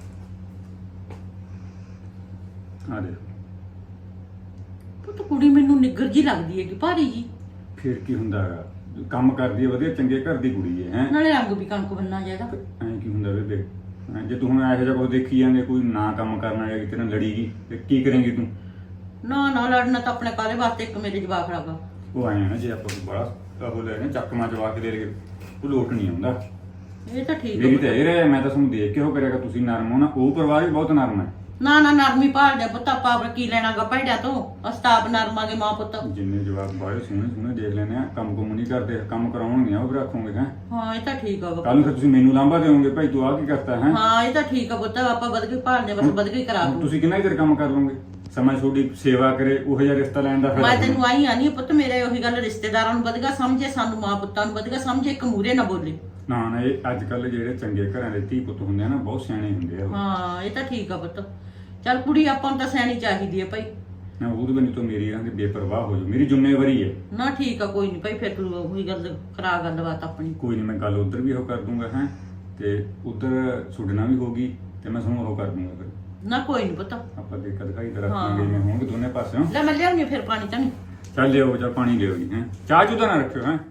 [SPEAKER 1] ਆ ਦੇਖ।
[SPEAKER 7] ਪੁੱਤ ਕੁੜੀ ਮੈਨੂੰ ਨਿੱਗਰ ਜੀ ਲੱਗਦੀ ਹੈਗੀ, ਭਾਰੀ ਜੀ।
[SPEAKER 1] ਫਿਰ ਕੀ ਹੁੰਦਾ ਹੈਗਾ, ਕੰਮ ਕਰਦੀ ਹੈ ਵਧੀਆ, ਚੰਗੇ ਘਰ ਦੀ ਕੁੜੀ ਹੈ।
[SPEAKER 7] ਨਾਲੇ ਰੰਗ ਵੀ ਕਣਕ ਬੰਨਾ ਜਾਇਦਾ।
[SPEAKER 1] ਐਂ ਕੀ ਹੁੰਦਾ ਬੇਬੇ, ਜੇ ਤੂੰ ਹੁਣ ਇਹੋ ਜਿਹਾ ਕੁਝ ਦੇਖੀ ਜਾਂਦੇ, ਕੋਈ ਨਾ ਕੰਮ ਕਰਨਾ ਜਾਂ ਕਿਤੇ ਨਾਲ ਲੜੀਗੀ ਤੇ ਕੀ ਕਰੇਂਗੀ ਤੂੰ?
[SPEAKER 7] ਨਾ ਨਾ ਲੜਨਾ ਤਾਂ ਆਪਣੇ ਕਾਲੇ ਵਾਸਤੇ ਇੱਕ ਮੇਰੇ ਜਵਾਕ ਲਾਗਾ।
[SPEAKER 1] ਉਹ ਆਏ ਨਾ, ਜੇ ਆਪਾਂ ਬੜਾ ਉਹ ਲੈ ਨੇ ਚੱਕਮਾ ਜਵਾ ਕੇ ਦੇ ਲਗੇ, ਉਹ ਲੋਟ ਨਹੀਂ ਆਉਂਦਾ।
[SPEAKER 7] ਇਹ ਤਾਂ ਠੀਕ
[SPEAKER 1] ਮੇਰੀ ਤਾਂ
[SPEAKER 7] ਹੈ।
[SPEAKER 1] ਇਹ ਰਹਿ, ਮੈਂ ਤਾਂ ਤੁਹਾਨੂੰ ਦੇਖ ਕੇ ਉਹ ਕਰਿਆਗਾ, ਤੁਸੀਂ ਨਰਮ ਹੋ ਨਾ। ਉਹ ਪਰਿਵਾਰ ਵੀ ਬਹੁਤ ਨਰਮ ਹੈ।
[SPEAKER 7] ਨਾ ਨਾ ਨਰਮੀ ਭਾਲਦੇ ਪੁੱਤ, ਆਪਾਂ ਕੀ ਲੈਣਾਗਾ ਭੈੜਿਆ ਤੋਂ। ਅਸਤਾਪ ਨਰਮਾਂਗੇ ਮਾਂ ਪੁੱਤ।
[SPEAKER 1] ਜਿੰਨੇ ਜਵਾਬ ਬਾਹਰ ਸੋਹਣੇ ਦੇਖ ਲੈਣੇ ਆ, ਕੰਮ ਕੁਮ ਨਹੀਂ ਕਰਦੇ, ਕੰਮ ਕਰਾਉਣਗੇ ਉਹ ਵੀ ਰੱਖੋਗੇ ਹੈ।
[SPEAKER 7] ਹਾਂ ਇਹ ਤਾਂ ਠੀਕ ਆ ਵਾ।
[SPEAKER 1] ਕੱਲ ਨੂੰ ਫਿਰ ਤੁਸੀਂ ਮੈਨੂੰ ਲਾਂਭਾ ਦੇਵੋਗੇ, ਭਾਈ ਤੂੰ ਆ ਕੀ ਕਰਤਾ ਹੈ।
[SPEAKER 7] ਹਾਂ ਇਹ ਤਾਂ ਠੀਕ ਆ ਪੁੱਤ, ਆਪਾਂ ਵਧਗੇ ਭਾਲਦੇ ਬਸ ਵਧਗੇ ਕਰਾ ਦੂੰ।
[SPEAKER 1] ਤੁਸੀਂ ਕਿੰਨਾ ਚਿਰ ਕੰਮ ਕਰ ਲਓਗੇ? ਸਮਾਂ ਤੁਹਾਡੀ ਸੇਵਾ ਕਰੇ, ਉਹ ਜਿਹਾ ਰਿਸ਼ਤਾ ਲੈਣ ਦਾ
[SPEAKER 7] ਮੈਂ
[SPEAKER 1] ਫਾਇਦਾ।
[SPEAKER 7] ਤੈਨੂੰ ਆਈ ਆਨੀ ਪੁੱਤ, ਮੇਰੇ ਉਹੀ ਗੱਲ, ਰਿਸ਼ਤੇਦਾਰਾਂ ਨੂੰ ਵਧਗਾ ਸਮਝੇ, ਸਾਨੂੰ ਮਾਂ ਪੁੱਤਾਂ ਨੂੰ ਵਧਗਾ ਸਮਝੇ, ਇੱਕ ਮੂਰੇ ਨਾ ਬੋਲੇ।
[SPEAKER 1] ਨਾ ਨਾ, ਇਹ ਅੱਜ ਕੱਲ ਜਿਹੜੇ ਚੰਗੇ ਘਰਾਂ ਦੇ ਧੀ ਪੁੱਤ ਹੁੰਦੇ ਆ ਨਾ, ਬਹੁਤ ਸਿਆਣੇ ਹੁੰਦੇ ਆ।
[SPEAKER 7] ਹਾਂ ਇਹ ਤਾਂ ਠੀਕ ਆ ਪੁੱਤ। ਚੱਲ ਕੁੜੀ ਆਪਾਂ ਨੂੰ ਤਾਂ ਸਿਆਣੀ ਚਾਹੀਦੀ ਹੈ ਭਾਈ।
[SPEAKER 1] ਨਾ ਉਹਦੇ ਬੰਦੇ ਤੋਂ ਮੇਰੀ ਇਹਨਾਂ ਦੀ ਬੇਪਰਵਾਹ ਹੋ ਜਾਓ, ਮੇਰੀ ਜ਼ਿੰਮੇਵਾਰੀ ਹੈ।
[SPEAKER 7] ਨਾ ਠੀਕ ਆ ਕੋਈ ਨਹੀਂ ਭਾਈ, ਫਿਰ ਤੂੰ ਉਹੀ ਗੱਲ ਕਰਾ ਗੱਲਬਾਤ ਆਪਣੀ।
[SPEAKER 1] ਕੋਈ ਨਹੀਂ, ਮੈਂ ਗੱਲ ਉਧਰ ਵੀ ਉਹ ਕਰ ਦੂੰਗਾ ਹੈ, ਤੇ ਉਧਰ ਤੁਹਾਡੇ ਨਾਲ ਵੀ ਹੋਗੀ, ਤੇ ਮੈਂ ਤੁਹਾਨੂੰ ਉਹ ਕਰ ਦੂੰਗਾ। ਫਿਰ
[SPEAKER 7] ਨਾ ਕੋਈ ਨਹੀਂ ਪੁੱਤ।
[SPEAKER 1] ਆਪਾਂ ਦੇਖਾ ਦਿਖਾਈ ਤਾਂ ਰੱਖਾਂਗੇ, ਜਿਵੇਂ ਹੋਣਗੇ ਦੋਨੇ ਪਾਸਿਓਂ।
[SPEAKER 7] ਲੈ ਮੈਂ ਲਿਆਉਣੀ ਫਿਰ ਪਾਣੀ ਤਾਂ ਨਹੀਂ।
[SPEAKER 1] ਚੱਲ ਲਿਓ, ਜਾਂ ਪਾਣੀ ਲਿਓ ਜੀ ਹੈ, ਚਾਹ ਚੂਹ ਤਾਂ ਨਾ ਰੱਖਿਓ ਹੈ।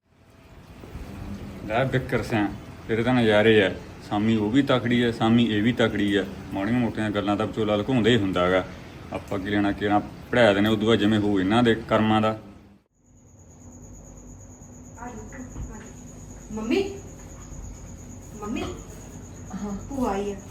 [SPEAKER 1] ਲੈ ਬਿੱਕਰ ਸਿਆ, ਤੇਰੇ ਤਾਂ ਨਜ਼ਾਰੇ ਆ। ਸਾਮੀ ਉਹ ਵੀ ਤਕੜੀ ਹੈ, ਸਾਮੀ ਇਹ ਵੀ ਤਕੜੀ ਹੈ। ਮਾੜੀਆਂ ਮੋਟੀਆਂ ਗੱਲਾਂ ਤਾਂ ਵਿਚੋਲਾ ਲੁਕਾਉਂਦਾ ਹੀ ਹੁੰਦਾ ਹੈਗਾ। ਆਪਾਂ ਕੀ ਲੈਣਾ, ਕਿਹੜਾ ਪੜਾਇਆ ਦੇ ਨੇ, ਉਦੋਂ ਬਾਅਦ ਜਿਵੇਂ ਹੋ ਇਹਨਾਂ ਦੇ ਕਰਮਾਂ ਦਾ।
[SPEAKER 6] ਮੰਮੀ ਮੰਮੀ
[SPEAKER 5] ਹਾਂ
[SPEAKER 6] ਭੂਆ ਆਈ ਆ।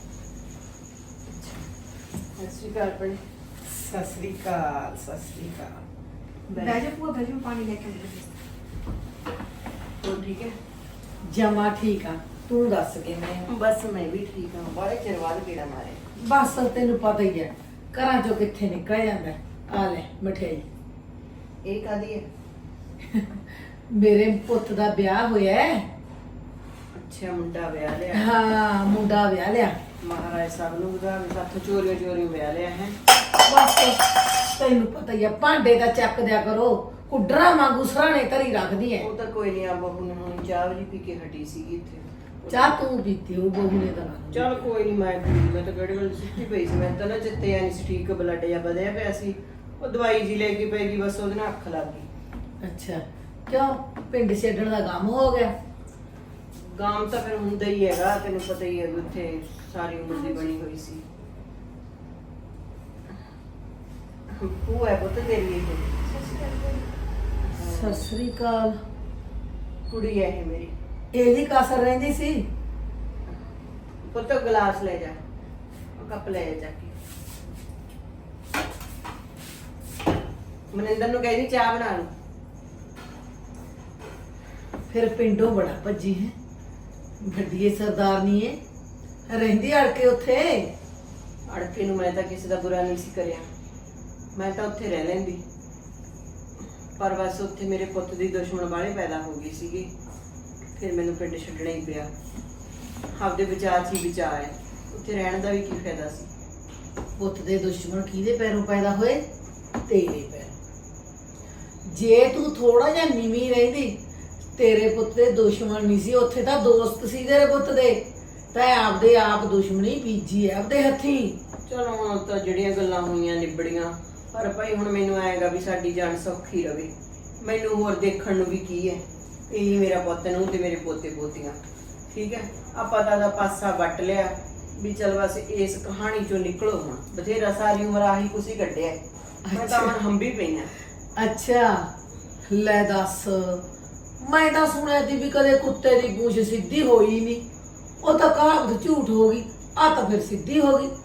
[SPEAKER 3] ਸਤਿ ਸ਼੍ਰੀ ਅਕਾਲ ਭੈਣੇ।
[SPEAKER 5] ਸਤਿ ਸ੍ਰੀ ਅਕਾਲ, ਸਤਿ ਸ੍ਰੀ ਅਕਾਲ।
[SPEAKER 6] ਬਹਿ ਜਾ ਭੂਆ, ਬਹਿ ਜਾ, ਮੈਂ ਪਾਣੀ ਲੈ ਕੇ ਆਉਂਦੀ
[SPEAKER 3] ਹੋਰ ਠੀਕ ਹੈ?
[SPEAKER 5] ਜਮਾ ਠੀਕ ਆ, ਤੂੰ ਦੱਸ ਕਿਵੇਂ?
[SPEAKER 3] ਬਸ ਮੈਂ ਵੀ ਠੀਕ ਹਾਂ। ਬੜੇ ਚਿਰ ਬਾਅਦ ਕਿਹੜਾ ਮਾਰੇ।
[SPEAKER 5] ਬਸ ਤੈਨੂੰ ਪਤਾ ਹੀ ਹੈ, ਘਰਾਂ ਚੋਂ ਕਿੱਥੇ ਨਿਕਲ ਜਾਂਦਾ। ਆ ਲੈ ਮਠਿਆਈ।
[SPEAKER 3] ਇਹ ਕਾਦੀ ਹੈ?
[SPEAKER 5] ਮੇਰੇ ਪੁੱਤ ਦਾ ਵਿਆਹ ਹੋਇਆ ਹੈ।
[SPEAKER 3] ਅੱਛਾ, ਮੁੰਡਾ ਵਿਆਹ ਲਿਆ।
[SPEAKER 5] ਹਾਂ ਮੁੰਡਾ ਵਿਆਹ ਲਿਆ।
[SPEAKER 3] ਮਹਾਰਾਜ ਸਾਹਿਬ ਨੂੰ ਵਧਾਵੇ, ਸਾਥੋਂ ਚੋਰੀਆਂ ਚੋਰੀਆਂ ਵਿਆਹ ਲਿਆ ਹੈ।
[SPEAKER 5] ਬਸ ਤੈਨੂੰ ਪਤਾ ਹੀ ਆ, ਭਾਂਡੇ ਦਾ ਚੱਕ ਦਿਆ ਕਰੋ, ਕੁੱਡਰਾ ਵਾਂਗੂ ਸਰਾਣੇ ਧਰੀ ਰੱਖਦੀ ਐ।
[SPEAKER 3] ਉਹ ਤਾਂ ਕੋਈ ਨਹੀਂ, ਆ ਬਹੂ ਨੇ ਹੁਣ ਚਾਹ ਵੀ ਪੀ ਕੇ ਹਟੀ ਸੀਗੀ ਇੱਥੇ।
[SPEAKER 5] ਚਾਹ ਤੂੰ ਪੀਤੀ ਉਹ ਬਹੂ ਨੇ ਤਾਂ ਨਾ।
[SPEAKER 3] ਚਲ ਕੋਈ ਨਹੀਂ, ਮੈਂ ਪੀ ਲਈ। ਮੈਂ ਤਾਂ ਕਿਹੜੇ ਵੇਲੇ ਸੁੱਤੀ ਪਈ ਸੀ, ਮੈਂ ਤਾਂ ਨਾ ਚਿੱਤੇ ਆ ਨਹੀਂ ਸੀ ਠੀਕ, ਬਲੱਡ ਜਾਂ ਵਧਿਆ ਪਿਆ ਸੀ। ਉਹ ਦਵਾਈ ਜੀ ਲੈ ਕੇ ਪੈ ਗਈ, ਬਸ ਉਹਦੇ ਨਾਲ ਅੱਖ ਲੱਗ ਗਈ।
[SPEAKER 5] ਅੱਛਾ ਕਿਉਂ, ਪਿੰਡ ਛੱਡਣ ਦਾ ਕੰਮ ਹੋ ਗਿਆ?
[SPEAKER 3] ਗਾਮ ਤਾਂ ਫਿਰ ਹੁੰਦਾ ਹੀ ਹੈਗਾ, ਤੈਨੂੰ ਪਤਾ ਹੀ ਹੈ ਵੀ ਉੱਥੇ ਸਾਰੀ ਉਮਰ ਦੀ ਬਣੀ ਹੋਈ ਸੀ। ਉਹ ਹੈ ਪੁੱਤ ਤੇਰੀ ਇਹ
[SPEAKER 5] ਸਤਿ ਸ੍ਰੀ ਅਕਾਲ।
[SPEAKER 3] ਕੁੜੀ ਹੈ ਇਹ ਮੇਰੀ।
[SPEAKER 5] ਇਹਦੀ ਕਸਰ ਰਹਿੰਦੀ ਸੀ।
[SPEAKER 3] ਪੁੱਤ ਗਲਾਸ ਲੈ ਜਾ, ਉਹ ਕੱਪ ਲੈ ਜਾ ਕੇ। ਮਨਿੰਦਰ ਨੂੰ ਕਹਿੰਦੀ ਚਾਹ ਬਣਾ ਲਓ।
[SPEAKER 5] ਫਿਰ ਪਿੰਡੋਂ ਬੜਾ ਭੱਜੀ ਹੈ, ਵੱਡੀ ਸਰਦਾਰਨੀ ਹੈ, ਰਹਿੰਦੀ ਅੜ ਕੇ ਉੱਥੇ।
[SPEAKER 3] ਅੜਕੇ ਨੂੰ ਮੈਂ ਤਾਂ ਕਿਸੇ ਦਾ ਬੁਰਾ ਨਹੀਂ ਸੀ ਕਰਿਆ, ਮੈਂ ਤਾਂ ਉੱਥੇ ਰਹਿ ਲੈਂਦੀ। ਪਰ ਬਸ ਉੱਥੇ ਮੇਰੇ ਪੁੱਤ ਦੀ ਦੁਸ਼ਮਣ ਵਾਲੇ ਪੈਦਾ ਹੋ ਗਈ ਸੀਗੀ, ਫਿਰ ਮੈਨੂੰ ਪਿੰਡ ਛੱਡਣਾ ਹੀ ਪਿਆ। ਆਪਦੇ ਵਿਚਾਰ 'ਚ ਹੀ ਵਿਚਾਰ ਹੈ, ਉੱਥੇ ਰਹਿਣ ਦਾ ਵੀ ਕੀ ਫਾਇਦਾ ਸੀ।
[SPEAKER 5] ਪੁੱਤ ਦੇ ਦੁਸ਼ਮਣ ਕਿਹਦੇ ਪੈਰੋਂ ਪੈਦਾ ਹੋਏ? ਤੇਰੇ ਪੈਰ। ਜੇ ਤੂੰ ਥੋੜਾ ਜਿਹਾ ਨੀਵੀਂ ਰਹਿੰਦੀ, ਤੇਰੇ ਪੁੱਤ ਦੇ ਦੁਸ਼ਮਣ ਨਹੀਂ ਸੀ, ਉੱਥੇ ਤਾਂ ਦੋਸਤ ਸੀ ਤੇਰੇ ਪੁੱਤ ਦੇ। ਤੈਂ ਆਪਦੇ ਆਪ ਦੁਸ਼ਮਣੀ ਬੀਜੀ ਹੈ ਆਪਦੇ ਹੱਥੀਂ।
[SPEAKER 3] ਚਲੋ ਹੁਣ ਤਾਂ ਜਿਹੜੀਆਂ ਗੱਲਾਂ ਹੋਈਆਂ ਨਿਬੜੀਆਂ, ਪਰ ਭਾਈ ਹੁਣ ਮੈਨੂੰ ਆਏਗਾ ਵੀ ਸਾਡੀ ਜਾਨ ਸੌਖੀ ਰਵੇ। ਮੈਨੂੰ ਹੋਰ ਦੇਖਣ ਨੂੰ ਵੀ ਕੀ ਹੈ, ਇਹੀ ਮੇਰਾ ਪੁੱਤ ਨੂੰ ਤੇ ਮੇਰੇ ਪੋਤੇ ਪੋਤੀਆਂ। ਠੀਕ ਹੈ, ਆਪਾਂ ਤਾਂ ਦਾ ਪਾਸਾ ਵੱਟ ਲਿਆ ਵੀ ਚਲ ਬਸ ਇਸ ਕਹਾਣੀ ਚੋਂ ਨਿਕਲੋ। ਹੁਣ ਬਥੇਰਾ ਸਾਰੀ ਉਮਰ ਆਹੀ ਕੁਛ ਹੀ ਕੱਢਿਆ, ਮੈਂ ਤਾਂ ਹੁਣ ਹੰਬੀ ਪਈ ਹਾਂ।
[SPEAKER 5] ਅੱਛਾ ਲੈ ਦੱਸ, ਮੈਂ ਤਾਂ ਸੁਣਿਆ ਸੀ ਵੀ ਕਦੇ ਕੁੱਤੇ ਦੀ ਪੂਛ ਸਿੱਧੀ ਹੋਈ ਨਹੀਂ, ਉਹ ਤਾਂ ਕਹਾਵਤ ਝੂਠ ਹੋ ਗਈ, ਆ ਤਾਂ ਫਿਰ ਸਿੱਧੀ ਹੋ ਗਈ।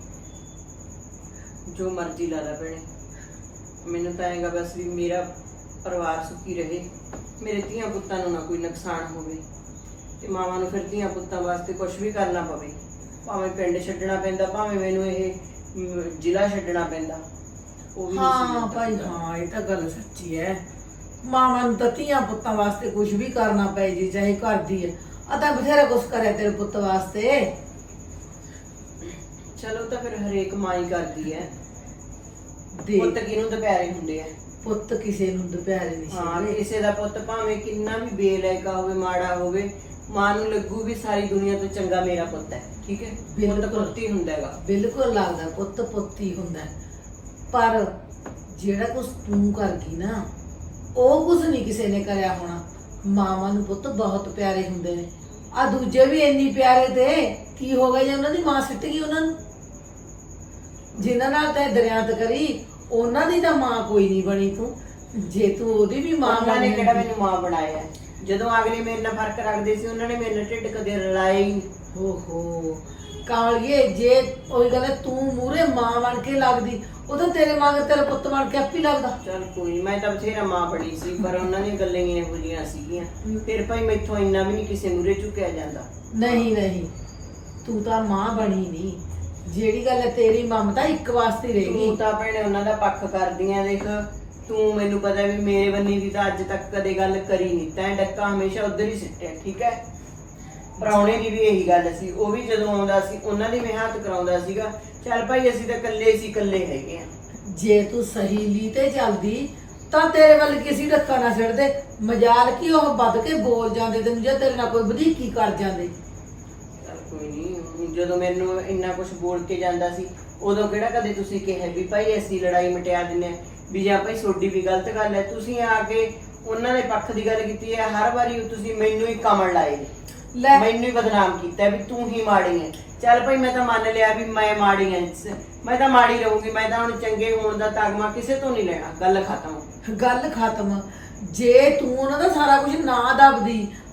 [SPEAKER 3] ਜੋ ਮਰਜ਼ੀ ਲਾ ਲਾ ਭੈਣੇ, ਮੈਨੂੰ ਤਾਂ ਆਏਗਾ ਬਸ ਵੀ ਮੇਰਾ ਪਰਿਵਾਰ ਸੁਖੀ ਰਹੇ, ਮੇਰੇ ਧੀਆਂ ਪੁੱਤਾਂ ਨੂੰ ਨਾ ਕੋਈ ਨੁਕਸਾਨ ਹੋਵੇ, ਤੇ ਮਾਵਾਂ ਨੂੰ ਫਿਰ ਧੀਆਂ ਪੁੱਤਾਂ ਵਾਸਤੇ ਕੁਝ ਵੀ ਕਰਨਾ ਪਵੇ। ਭਾਵੇਂ ਪਿੰਡ ਛੱਡਣਾ ਪੈਂਦਾ, ਭਾਵੇਂ ਮੈਨੂੰ ਇਹ ਜ਼ਿਲ੍ਹਾ ਛੱਡਣਾ ਪੈਂਦਾ, ਉਹ ਵੀ ਨਹੀਂ ਸੀ
[SPEAKER 5] ਹਾਂ
[SPEAKER 3] ਮੈਨੂੰ
[SPEAKER 5] ਭਾਈ
[SPEAKER 3] ਪਤਾ।
[SPEAKER 5] ਹਾਂ, ਇਹ ਤਾਂ ਗੱਲ ਸੱਚੀ ਹੈ। ਮਾਵਾਂ ਨੂੰ ਤਾਂ ਧੀਆਂ ਪੁੱਤਾਂ ਵਾਸਤੇ ਕੁਝ ਵੀ ਕਰਨਾ ਪੈ ਜੇ, ਚਾਹੇ ਕਰਦੀ ਹੈ। ਆ ਤਾਂ ਬਥੇਰਾ ਕੁਛ ਕਰਿਆ ਤੇਰੇ ਪੁੱਤ ਵਾਸਤੇ।
[SPEAKER 3] ਚਲੋ ਤਾਂ ਫਿਰ ਹਰੇਕ ਮਾਂ ਹੀ ਕਰਦੀ ਹੈ।
[SPEAKER 5] ਦੇਖ,
[SPEAKER 3] ਪੁੱਤ ਕਿਹਨੂੰ ਦੁਪਹਿਰੇ ਹੁੰਦੇ ਆ।
[SPEAKER 5] ਪੁੱਤ ਕਿਸੇ ਨੂੰ ਦੁਪਹਿਰੇ ਨਹੀਂ
[SPEAKER 3] ਹਾਂ,
[SPEAKER 5] ਸੀ।
[SPEAKER 3] ਕਿਸੇ ਦਾ ਪੁੱਤ ਭਾਵੇਂ ਕਿੰਨਾ ਵੀ ਬੇਲਾਇਕਾ ਹੋਵੇ, ਮਾੜਾ ਹੋਵੇ, ਮਾਂ ਨੂੰ ਲੱਗੂ ਵੀ ਸਾਰੀ ਦੁਨੀਆ ਤੋਂ ਚੰਗਾ ਮੇਰਾ ਪੁੱਤ ਹੈ। ਠੀਕ ਹੈ, ਪੁੱਤ
[SPEAKER 5] ਬਿਲਕੁਲ।
[SPEAKER 3] ਪੁੱਤ ਹੀ ਹੁੰਦਾ ਹੈਗਾ।
[SPEAKER 5] ਬਿਲਕੁਲ ਲੱਗਦਾ ਪੁੱਤ ਪੁੱਤ ਹੀ ਹੁੰਦਾ ਹੈ। ਪਰ ਜਿਹੜਾ ਕੁਛ ਤੂੰ ਕਰ ਗਈ ਨਾ, ਉਹ ਕੁਛ ਨਹੀਂ ਕਿਸੇ ਨੇ ਕਰਿਆ ਹੋਣਾ। ਮਾਵਾਂ ਨੂੰ ਪੁੱਤ ਬਹੁਤ ਪਿਆਰੇ ਹੁੰਦੇ ਨੇ, ਆ ਦੂਜੇ ਵੀ ਇੰਨੀ ਪਿਆਰੇ ਤੇ ਕੀ ਹੋ ਗਿਆ ਜੇ ਉਹਨਾਂ ਦੀ ਮਾਂ ਸਿੱਟ ਗਈ ਉਹਨਾਂ ਨੂੰ। ਜਿਨ੍ਹਾਂ ਨਾਲ ਤੈਂ ਦਰਿਆਤ ਕਰੀ, ਉਹਨਾਂ ਦੀ ਤਾਂ ਮਾਂ ਕੋਈ ਨਹੀਂ ਬਣੀ ਤੂੰ। ਜੇ ਤੂੰ ਉਹਦੀ ਵੀ ਮਾਂ
[SPEAKER 3] ਉਹਨਾਂ ਨੇ
[SPEAKER 5] ਬਣੀ
[SPEAKER 3] ਕਿਹੜਾ ਮੈਨੂੰ ਮਾਂ ਬਣਾਇਆ ਹੈ? ਜਦੋਂ ਅਗਲੇ ਮੇਰੇ ਨਾਲ ਫਰਕ ਰੱਖਦੇ ਸੀ, ਉਹਨਾਂ ਨੇ ਮੇਰੇ ਨਾਲ ਢਿੱਡ ਕਦੇ ਰਲਾਇਆ ਹੀ ਨਹੀਂ।
[SPEAKER 5] ਓਹੋ ਕਾਲੀਏ, ਜੇ ਉਹੀ ਗੱਲ ਹੈ, ਤੂੰ ਮੂਹਰੇ ਮਾਂ ਬਣ ਕੇ ਲੱਗਦੀ, ਉਹ ਤਾਂ ਤੇਰੇ ਮਗਰ ਤੇਰਾ ਪੁੱਤ ਬਣ ਕੇ ਆਪੇ ਲੱਗਦਾ।
[SPEAKER 3] ਚਲ ਕੋਈ ਨੀ, ਮੈਂ ਤਾਂ ਬਥੇਰਾ ਮਾਂ ਬਣੀ ਸੀ, ਪਰ ਉਹਨਾਂ ਦੀਆਂ ਗੱਲਾਂ ਹੀ ਇਹੋ ਜਿਹੀਆਂ ਸੀਗੀਆਂ। ਫਿਰ ਭਾਈ ਮੈਥੋਂ ਇੰਨਾ ਵੀ ਨਹੀਂ ਕਿਸੇ ਮੂਹਰੇ ਝੁਕਿਆ ਜਾਂਦਾ।
[SPEAKER 5] ਨਹੀਂ ਨਹੀਂ, ਤੂੰ ਤਾਂ ਮਾਂ ਬਣੀ ਨਹੀਂ। ਜਿਹੜੀ ਗੱਲ ਹੈ, ਤੇਰੀ ਮਮਤਾ ਇੱਕ ਵਾਸਤੇ ਹੀ ਰਹਿ
[SPEAKER 3] ਤੂੰ
[SPEAKER 5] ਗਈ।
[SPEAKER 3] ਤਾਂ ਭੈਣੇ ਉਹਨਾਂ ਦਾ ਪੱਖ ਕਰਦੀ ਆਂ। ਦੇਖ ਤੂੰ, ਮੈਨੂੰ ਪਤਾ ਵੀ ਮੇਰੇ ਬੰਨੀ ਦੀ ਤਾਂ ਅੱਜ ਤੱਕ ਕਦੇ ਗੱਲ ਕਰੀ ਨਹੀਂ, ਤੈਂ ਡੱਕਾ ਹਮੇਸ਼ਾ ਉਧਰ ਹੀ ਸਿੱਟਿਆ। ਠੀਕ ਹੈ, ਪ੍ਰਾਹੁਣੇ ਦੀ ਵੀ ਇਹੀ ਗੱਲ ਸੀ, ਉਹ ਵੀ ਜਦੋਂ ਆਉਂਦਾ ਸੀ ਉਹਨਾਂ ਦੀ ਮੈਂ ਹੱਥ ਕਰਾਉਂਦਾ ਸੀਗਾ। ਚੱਲ ਭਾਈ ਅਸੀਂ ਤਾਂ ਇਕੱਲੇ ਸੀ, ਇਕੱਲੇ ਹੈਗੇ ਆ।
[SPEAKER 5] ਜੇ ਤੂੰ ਸਹੀ ਲੀ ਤੇ ਚੱਲਦੀ ਤਾਂ ਤੇਰੇ ਵੱਲ ਕਿਸੇ ਧੱਕਾ ਨਾ ਛੱਡਦੇ। ਮਜਾਲ ਕੀ ਉਹ ਵੱਧ ਕੇ ਬੋਲ ਜਾਂਦੇ ਤੈਨੂੰ, ਜੇ ਤੇਰੇ ਨਾਲ ਕੋਈ ਵਧੀਕੀ ਕਰ ਜਾਂਦੇ।
[SPEAKER 3] ਚੱਲ ਕੋਈ ਨਹੀਂ, ਜਦੋਂ ਮੈਨੂੰ ਇੰਨਾ ਕੁਝ ਬੋਲ ਕੇ ਜਾਂਦਾ ਸੀ, ਉਦੋਂ ਕਿਹੜਾ ਕਦੇ ਤੁਸੀਂ ਕਿਹਾ ਵੀ ਭਾਈ ਅਸੀਂ ਲੜਾਈ ਮਿਟਾ ਦਿੰਨੇ ਆ, ਵੀ ਜਾਂ ਭਾਈ ਤੁਹਾਡੀ ਵੀ ਗਲਤ ਗੱਲ ਹੈ। ਤੁਸੀਂ ਆ ਕੇ ਉਹਨਾਂ ਦੇ ਪੱਖ ਦੀ ਗੱਲ ਕੀਤੀ ਹੈ। ਹਰ ਵਾਰੀ ਤੁਸੀਂ ਮੈਨੂੰ ਹੀ ਕਮਲ ਲਾਏ ਨੇ,
[SPEAKER 5] ਲੈ
[SPEAKER 3] ਮੈਨੂੰ ਹੀ ਬਦਨਾਮ ਕੀਤਾ ਵੀ ਤੂੰ ਹੀ ਮਾੜੀ ਹੈ। ਚੱਲ ਭਾਈ ਮੈਂ ਤਾਂ ਮੰਨ ਲਿਆ ਵੀ ਮੈਂ ਮਾੜੀ ਹਾਂ, ਮੈਂ ਤਾਂ ਮਾੜੀ ਰਹੂੰਗੀ। ਮੈਂ ਤਾਂ ਹੁਣ ਚੰਗੇ ਹੋਣ ਦਾ ਤਗਮਾ ਕਿਸੇ ਤੋਂ ਨਹੀਂ ਲੈਣਾ। ਗੱਲ ਖਤਮ।
[SPEAKER 5] ਗੱਲ ਖਤਮ। ਜੇ ਤੂੰ ਉਹਨਾਂ ਦਾ ਸਾਰਾ ਕੁਝ ਨਾ ਦੱਬਦੀ,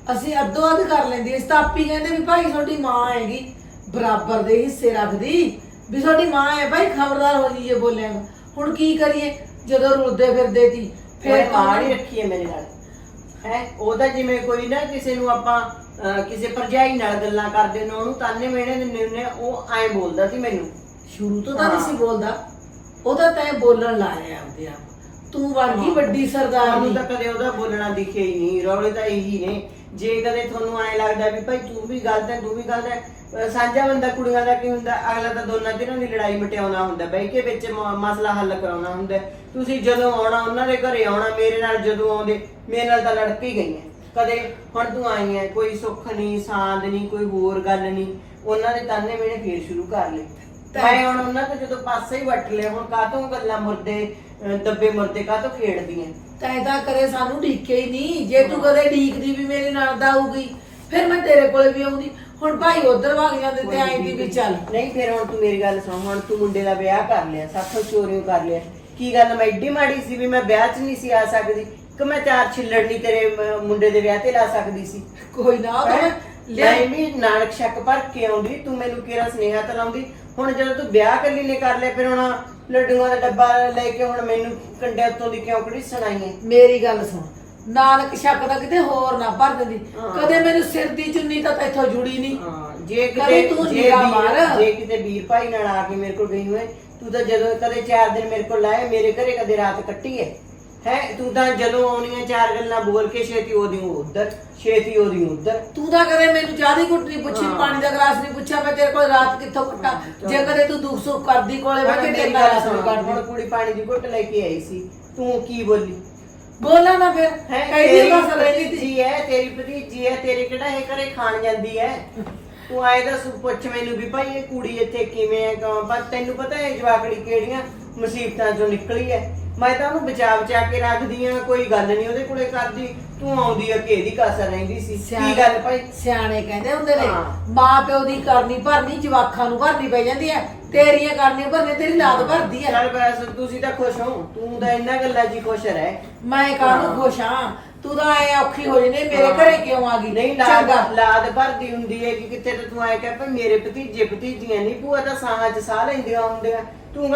[SPEAKER 5] ਅਸੀਂ ਅੱਧੋ ਅੱਧ ਕਰ ਲੈਂਦੀ। ਅਸੀਂ ਤਾਂ ਆਪੀ ਕਹਿੰਦੇ ਵੀ ਭਾਈ ਤੁਹਾਡੀ ਮਾਂ ਹੈਗੀ, ਬਰਾਬਰ ਦੇ ਹਿੱਸੇ ਰੱਖਦੀ ਵੀ ਤੁਹਾਡੀ ਮਾਂ ਹੈ ਭਾਈ, ਖਬਰਦਾਰ ਹੋ ਜੀ ਜੇ ਬੋਲਿਆ। ਹੁਣ ਕੀ ਕਰੀਏ ਜਦੋਂ ਰੁਲਦੇ ਫਿਰਦੇ ਸੀ
[SPEAKER 3] ਫਿਰ
[SPEAKER 5] ਫਿਰ
[SPEAKER 3] ਮਾਂ ਹੀ ਰੱਖੀ ਹੈ ਮੇਰੇ ਨਾਲ ਹੈ। ਉਹਦਾ ਜਿਵੇਂ ਕੋਈ ਨਾ ਕਿਸੇ ਨੂੰ ਆਪਾਂ ਕਿਸੇ ਭਰਜਾਈ ਨਾਲ ਗੱਲਾਂ ਕਰਦੇ ਨੇ ਉਹਨੂੰ ਤਾਨੇ ਮਿਹਣੇ ਦਿੰਦੇ ਹੁੰਦੇ ਆ, ਉਹ ਐਂ ਬੋਲਦਾ ਸੀ ਮੈਨੂੰ।
[SPEAKER 5] ਸ਼ੁਰੂ ਤੋਂ ਤਾਂ ਨਹੀਂ ਸੀ ਬੋਲਦਾ, ਉਹਦਾ ਤੈਂ ਬੋਲਣ ਲਾਇਆ ਆਪਦੇ ਆਪ। ਤੂੰ ਬਣ ਗਈ ਵੱਡੀ ਸਰਦਾਰਨੀ।
[SPEAKER 3] ਤੁਹਾਨੂੰ ਤਾਂ ਕਦੇ ਉਹਦਾ ਬੋਲਣਾ ਦਿਖਿਆ ਹੀ ਨਹੀਂ। ਰੌਲੇ ਤਾਂ ਇਹੀ ਨੇ। ਜੇ ਕਦੇ ਤੁਹਾਨੂੰ ਐਂ ਲੱਗਦਾ ਵੀ ਭਾਈ ਤੂੰ ਵੀ ਗਲਤ ਹੈ, ਤੂੰ ਵੀ ਗਲਤ ਹੈ, ਸਾਂਝਾ ਬੰਦਾ ਕੁੜੀਆਂ ਦਾ ਕੀ ਹੁੰਦਾ, ਅਗਲਾ ਤਾਂ ਦੋਨਾਂ ਧਿਰਾਂ ਦੀ ਲੜਾਈ ਮਟਿਆਉਣਾ ਹੁੰਦਾ, ਬਹਿ ਕੇ ਵਿੱਚ ਮਸਲਾ ਹੱਲ ਕਰਾਉਣਾ ਹੁੰਦਾ। ਤੁਸੀਂ ਜਦੋਂ ਆਉਣਾ ਉਹਨਾਂ ਦੇ ਘਰੇ ਆਉਣਾ, ਮੇਰੇ ਨਾਲ ਜਦੋਂ ਆਉਂਦੇ ਮੇਰੇ ਨਾਲ ਤਾਂ ਲੜ ਕੇ ਗਈਆਂ ਕਦੇ। ਹੁਣ ਤੂੰ ਆਈ ਹੈ, ਕੋਈ ਸੁੱਖ ਨਹੀਂ ਸਾਂਦ ਨਹੀਂ, ਕੋਈ ਹੋਰ ਗੱਲ ਨਹੀਂ, ਉਹਨਾਂ ਦੇ ਤਾਨੇ ਮੇਣੇ ਫੇਰ ਸ਼ੁਰੂ ਕਰ ਲਏ। ਮੈਂ ਹੁਣ ਉਹਨਾਂ ਤੋਂ ਜਦੋਂ ਪਾਸੇ ਹੀ ਵੱਟ ਲਿਆ, ਹੁਣ ਕਾਹਤੋਂ ਗੱਲਾਂ ਮੁਰਦੇ ਦੱਬੇ ਮੁਰਦੇ ਕਾਹਤੋਂ ਖੇਡਦੀਆਂ।
[SPEAKER 5] ਤੈਂ ਤਾਂ ਕਦੇ ਸਾਨੂੰ ਢੀਕੇ ਹੀ ਨਹੀਂ। ਜੇ ਤੂੰ ਕਦੇ ਢੀਕਦੀ ਵੀ ਮੇਰੇ ਨਾਲ ਦਾ ਆਊਗੀ ਫਿਰ ਮੈਂ ਤੇਰੇ ਕੋਲੇ ਵੀ ਆਉਂਦੀ। ਹੁਣ ਭਾਈ ਉਧਰ ਵਗ ਜਾਂਦੇ ਤੇ ਆਈ ਦੀ ਵੀ ਚੱਲ।
[SPEAKER 3] ਨਹੀਂ ਫਿਰ ਹੁਣ ਤੂੰ ਮੇਰੀ ਗੱਲ ਸੁਣ। ਹੁਣ ਤੂੰ ਮੁੰਡੇ ਦਾ ਵਿਆਹ ਕਰ ਲਿਆ, ਸਾਥੋਂ ਚੋਰੀਆਂ ਕਰ ਲਿਆ। ਕੀ ਗੱਲ ਮੈਂ ਏਡੀ ਮਾੜੀ ਸੀ ਵੀ ਮੈਂ ਵਿਆਹ 'ਚ ਨਹੀਂ ਸੀ ਆ ਸਕਦੀ ਕਿ ਮੈਂ 4 ਛਿੱਲੜ ਨਹੀਂ ਤੇਰੇ ਮੁੰਡੇ ਦੇ ਵਿਆਹ ਤੇ ਲਾ ਸਕਦੀ ਸੀ?
[SPEAKER 5] ਕੋਈ ਨਾ ਉਹ ਤਾਂ ਮੈਂ
[SPEAKER 3] ਮੈਂ ਵੀ ਨਾਨਕ ਸ਼ੱਕ ਭਰ ਕੇ ਆਉਂਦੀ, ਤੂੰ ਮੈਨੂੰ ਕਿਹੜਾ ਸੁਨੇਹਾ ਤਾਂ ਲਾਉਂਦੀ। ਹੁਣ ਜਦੋਂ ਤੂੰ ਵਿਆਹ ਕੱਲੀ ਨੇ ਕਰ ਲਿਆ, ਫਿਰ ਹੁਣ ਲੱਡੂਆਂ ਦਾ ਡੱਬਾ ਲੈ ਕੇ ਹੁਣ ਮੈਨੂੰ ਕੰਡੇ ਉੱਤੋਂ ਦੀ ਕਿਉਂ ਕਿਹੜੀ ਸੁਣਾਈਏ?
[SPEAKER 5] ਮੇਰੀ ਗੱਲ ਸੁਣ, ਨਾਨਕ ਸ਼ੱਕ ਦਾ ਕਿਤੇ ਹੋਰ ਨਾ ਭਰ ਦਿੰਦੀ। ਕਦੇ ਮੈਨੂੰ ਸਿਰ ਦੀ ਚੁੰਨੀ ਤਾਂ ਇੱਥੋਂ ਜੁੜੀ ਨਹੀਂ।
[SPEAKER 3] ਜੇ
[SPEAKER 5] ਕਦੇ
[SPEAKER 3] ਕਿਤੇ
[SPEAKER 5] ਤੂੰ ਨਿਗਾਹ ਮਾਰ।
[SPEAKER 3] ਜੇ ਕਿਤੇ ਵੀਰ ਭਾਈ ਨਾਲ ਆ ਕੇ ਮੇਰੇ ਕੋਲ ਗਈ ਹੋਏ, ਤੂੰ ਤਾਂ ਜਦੋਂ ਕਦੇ 4 ਦਿਨ ਮੇਰੇ ਕੋਲ ਲਾਏ, ਮੇਰੇ ਘਰੇ ਕਦੇ ਰਾਤ ਕੱਟੀ ਹੈ। ਤੂੰ ਤਾਂ ਜਦੋਂ ਆਉਣੀਆਂ 4 ਗੱਲਾਂ ਬੋਲ ਕੇ ਛੇਤੀ ਉਹਦੀ ਉੱਧਰ, ਛੇਤੀ ਉਹਦੀ ਉੱਧਰ।
[SPEAKER 5] ਤੂੰ ਤਾਂ ਕਦੇ ਮੈਨੂੰ ਚਾਹ ਦੀ ਘੁੱਟ ਨਹੀਂ ਪੁੱਛੀ, ਪਾਣੀ ਦਾ ਗਲਾਸ ਨਹੀਂ ਪੁੱਛਿਆ ਮੈਂ ਤੇਰੇ ਕੋਲ ਰਾਤ ਕਿੱਥੋਂ ਕੱਟਾ। ਜੇ ਕਦੇ ਤੂੰ ਦੁੱਖ ਸੁੱਖ ਕਰਦੀ ਕੋਲੇ ਬੈਠ ਕੇ ਤੇਰੇ ਨਾਲ ਰਾਤ ਨੂੰ ਕੱਟਦੀ।
[SPEAKER 3] ਹੁਣ ਕੁੜੀ ਪਾਣੀ ਦੀ ਘੁੱਟ ਲੈ ਕੇ ਆਈ ਸੀ, ਤੂੰ ਕੀ ਬੋਲੀ?
[SPEAKER 5] ਬੋਲਾ ਨਾ ਫਿਰ ਕਹਿੰਦੀ ਬਸ ਰਹਿੰਦੀ ਸੀ।
[SPEAKER 3] ਜੀ ਹੈ ਤੇਰੀ ਭਤੀਜੀ ਹੈ, ਤੇਰੇ ਕਿਹੜਾ ਇਹ ਘਰੇ ਖਾਣ ਜਾਂਦੀ ਹੈ? ਤੂੰ ਆਏ ਦਾ ਪੁੱਛ ਮੈਨੂੰ ਵੀ ਭਾਈ ਇਹ ਕੁੜੀ ਇੱਥੇ ਕਿਵੇਂ ਹੈ, ਪਰ ਤੈਨੂੰ ਪਤਾ ਹੈ ਜਵਾਕੜੀ ਕਿਹੜੀਆਂ ਮੁਸੀਬਤਾਂ ਚੋਂ ਨਿਕਲੀ ਹੈ। ਮੈਂ ਤਾਂ ਉਹਨੂੰ ਬਚਾ ਕੇ ਰੱਖਦੀ ਆ, ਕੋਈ ਗੱਲ ਨਹੀਂ ਉਹਦੇ ਕੋਲੇ ਕਰਦੀ। ਤੂੰ ਆਉਂਦੀ ਆ ਕਿ ਇਹਦੀ ਕਾਸਰ ਰਹਿੰਦੀ ਸੀ। ਕੀ ਗੱਲ ਭਾਈ?
[SPEAKER 5] ਸਿਆਣੇ ਕਹਿੰਦੇ ਹੁੰਦੇ ਨੇ ਮਾਂ ਪਿਓ ਦੀ ਕਰਨੀ ਭਰਨੀ ਜਵਾਕਾਂ ਨੂੰ ਭਰਨੀ ਪੈ ਜਾਂਦੀ ਹੈ। ਤੇਰੀਆਂ ਕਰਨੀਆਂ ਭਰਨੀਆਂ ਤੇਰੀ ਲਾਦ ਭਰਦੀ ਹੈ।
[SPEAKER 3] ਚੱਲ ਬਸ ਤੁਸੀਂ ਤਾਂ ਖੁਸ਼ ਹੋ, ਤੂੰ ਤਾਂ ਇਹਨਾਂ ਗੱਲਾਂ 'ਚ ਹੀ ਖੁਸ਼ ਰਹਿ।
[SPEAKER 5] ਮੈਂ ਕਾਹਨੂੰ ਖੁਸ਼ ਹਾਂ? ਤੂੰ ਤਾਂ ਐ ਔਖੀ ਹੋ ਜਨੇ ਮੇਰੇ ਘਰੇ ਕਿਉਂ ਆ ਗਈ?
[SPEAKER 3] ਨਹੀਂ ਲਾਦ ਭਰਦੀ ਹੁੰਦੀ ਹੈ ਕਿ ਕਿਤੇ ਤਾਂ ਤੂੰ ਆਏ ਕਹਿ ਭਾਈ ਮੇਰੇ ਭਤੀਜੇ ਭਤੀਜੀਆਂ ਨਹੀਂ, ਭੂਆ ਤਾਂ ਸਾਹਾਂ 'ਚ ਸਾਹ ਲੈਂਦੀਆਂ ਹੁੰਦੀਆਂ। ਤੂੰ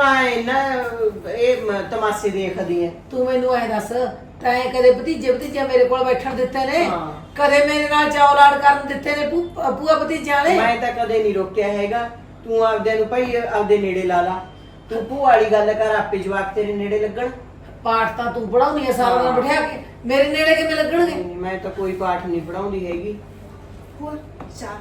[SPEAKER 3] ਇਹ ਤਮਾਸ਼ੇ ਦੇਖਦੀ ਐ।
[SPEAKER 5] ਤੂੰ ਮੈਨੂੰ ਐ ਦੱਸ, ਤੈਂ ਕਦੇ ਭਤੀਜੇ ਮੇਰੇ ਕੋਲ ਬੈਠਣ ਦਿੱਤੇ ਨੇ? ਕਦੇ ਮੇਰੇ ਨਾਲ ਚੌਲਾੜ ਕਰਨ ਦਿੱਤੇ ਨੇ ਭੂਆ ਭਤੀਜਿਆਂ ਨੇ?
[SPEAKER 3] ਮੈਂ ਤਾਂ ਕਦੇ ਨਹੀਂ ਰੋਕਿਆ ਹੈਗਾ। ਤੂੰ ਆਪਦੇ ਨੂੰ ਭਾਈ ਆਪਦੇ ਨੇੜੇ ਲਾ ਲਾ। ਤੂੰ ਭੂਆ ਵਾਲੀ ਗੱਲ ਕਰ, ਆਪੇ ਜਵਾਕ ਤੇਰੇ ਨੇੜੇ ਲੱਗਣ।
[SPEAKER 5] ਪਾਠ ਤਾਂ ਤੂੰ ਪੜਾਉਣੀ ਐ ਸਾਰਾ ਦਿਨ ਬਿਠਾ ਕੇ, ਮੇਰੇ ਨੇੜੇ ਕਿਵੇਂ ਲੱਗਣਗੇ?
[SPEAKER 3] ਮੈਂ ਤਾਂ ਕੋਈ ਪਾਠ ਨਹੀਂ ਪੜਾਉਂਦੀ ਹੈਗੀ।
[SPEAKER 6] ਹੋਰ ਚਾਹ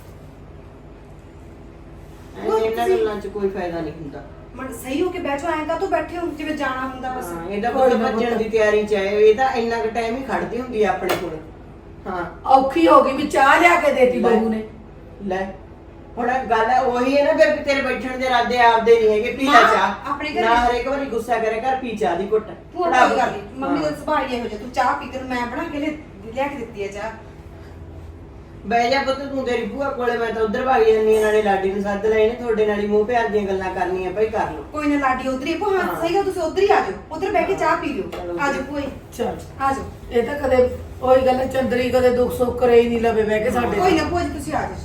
[SPEAKER 3] ਇਹਨਾਂ ਗੱਲਾਂ 'ਚ ਕੋਈ ਫਾਇਦਾ ਨਹੀਂ ਹੁੰਦਾ।
[SPEAKER 6] ਮਨ ਸਹੀ ਹੋ ਕੇ ਬੈਠੋ, ਐਂ ਕਾ ਤੂੰ ਬੈਠੇ ਹੋ ਜਿਵੇਂ ਜਾਣਾ ਹੁੰਦਾ ਬਸ।
[SPEAKER 3] ਇਹਦਾ ਕੋਈ ਭੱਜਣ ਦੀ ਤਿਆਰੀ 'ਚ ਹੈ। ਇਹ ਤਾਂ ਇੰਨਾ ਕੁ ਟਾਈਮ ਹੀ ਖੜਦੀ ਹੁੰਦੀ ਆ ਆਪਣੇ ਕੋਲ। ਹਾਂ
[SPEAKER 5] ਔਖੀ ਹੋ ਗਈ ਵੀ ਚਾਹ ਲਿਆ ਕੇ ਦੇਤੀ ਬਹੂ ਨੇ।
[SPEAKER 3] ਲੈ ਹੁਣ ਗੱਲ ਉਹੀ ਹੈ ਨਾ, ਫਿਰ ਤੇਰੇ ਬੈਠਣ ਦੇ ਇਰਾਦੇ ਆਪਦੇ ਨਹੀਂ ਹੈਗੇ। ਪੀ ਲੈ ਚਾਹ
[SPEAKER 6] ਆਪਣੇ ਘਰੇ
[SPEAKER 3] ਨਾ, ਹਰੇਕ ਵਾਰੀ ਗੁੱਸਾ ਕਰੇ ਕਰ, ਪੀ ਚਾਹ ਦੀ ਘੁੱਟ।
[SPEAKER 6] ਮੰਮੀ ਦਾ ਸੁਭਾਅ ਹੀ ਇਹੋ ਜਿਹਾ, ਤੂੰ ਚਾਹ ਪੀ ਕੇ ਮੈਂ ਬਣਾ ਕੇ ਲਿਆ ਕੇ ਦਿੱਤੀ ਹੈ ਚਾਹ।
[SPEAKER 3] ਬਹਿ ਜਾ ਪੁੱਤ, ਤੂੰ ਤੇਰੀ ਭੂਆ ਕੋਲੇ, ਮੈਂ ਤਾਂ ਉਧਰ ਭਾਗ ਜਾਂਦੀ ਆ। ਨਾਲੇ ਲਾਡੀ ਨੂੰ ਸੱਦ ਲੈ, ਇਹਨੇ ਤੁਹਾਡੇ ਨਾਲ ਹੀ ਮੂੰਹ ਪਿਆਰ ਦੀਆਂ ਗੱਲਾਂ ਕਰਨੀਆਂ ਭਾਈ, ਕਰ ਲਓ।
[SPEAKER 6] ਕੋਈ ਨਾ ਲਾਡੀ ਉਧਰ ਹੀ ਹਾਂ ਸਹੀ ਗੱਲ, ਤੁਸੀਂ ਉਧਰ ਹੀ ਆ ਜਾਓ, ਉਧਰ ਬਹਿ ਕੇ ਚਾਹ ਪੀ ਲਿਓ। ਆ ਜਾਓ ਭੂਆ,
[SPEAKER 5] ਚਲ
[SPEAKER 6] ਆ ਜਾਓ।
[SPEAKER 5] ਇਹ ਤਾਂ ਕਦੇ ਉਹੀ ਗੱਲ ਚੰਦਰੀ ਕਦੇ ਦੁੱਖ ਸੁੱਖ ਕਰੇ ਹੀ ਨਹੀਂ ਲਵੇ ਬਹਿ ਕੇ ਸਾਡੇ।
[SPEAKER 6] ਕੋਈ ਨਾ ਭੂਆ ਜੀ ਤੁਸੀਂ ਆ ਜਾਓ।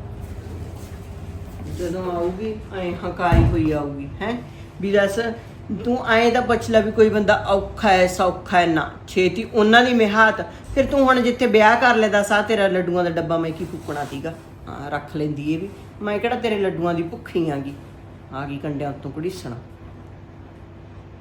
[SPEAKER 3] ਜਦੋਂ ਆਊਗੀ ਐ ਹਕਾਰੀ ਹੋਈ ਆਊਗੀ ਹੈ ਵੀ ਦੱਸ ਤੂੰ ਐਂ ਤਾਂ ਪੁੱਛ ਲੈ ਵੀ ਕੋਈ ਬੰਦਾ ਔਖਾ ਹੈ ਸੌਖਾ ਹੈ ਨਾ, ਛੇਤੀ ਉਹਨਾਂ ਦੀ ਮਿਹਾਤ। ਫਿਰ ਤੂੰ ਹੁਣ ਜਿੱਥੇ ਵਿਆਹ ਕਰ ਲੈਦਾ ਸਾਹ ਤੇਰਾ ਲੱਡੂਆਂ ਦਾ ਡੱਬਾ ਮੈਂ ਕੀ ਫੂਕਣਾ ਸੀਗਾ? ਹਾਂ ਰੱਖ ਲੈਂਦੀ ਇਹ ਵੀ। ਮੈਂ ਕਿਹੜਾ ਤੇਰੇ ਲੱਡੂਆਂ ਦੀ ਭੁੱਖੀ ਆ ਗਈ ਕੰਡਿਆਂ ਉੱਤੋਂ ਘੜੀਸਣਾ।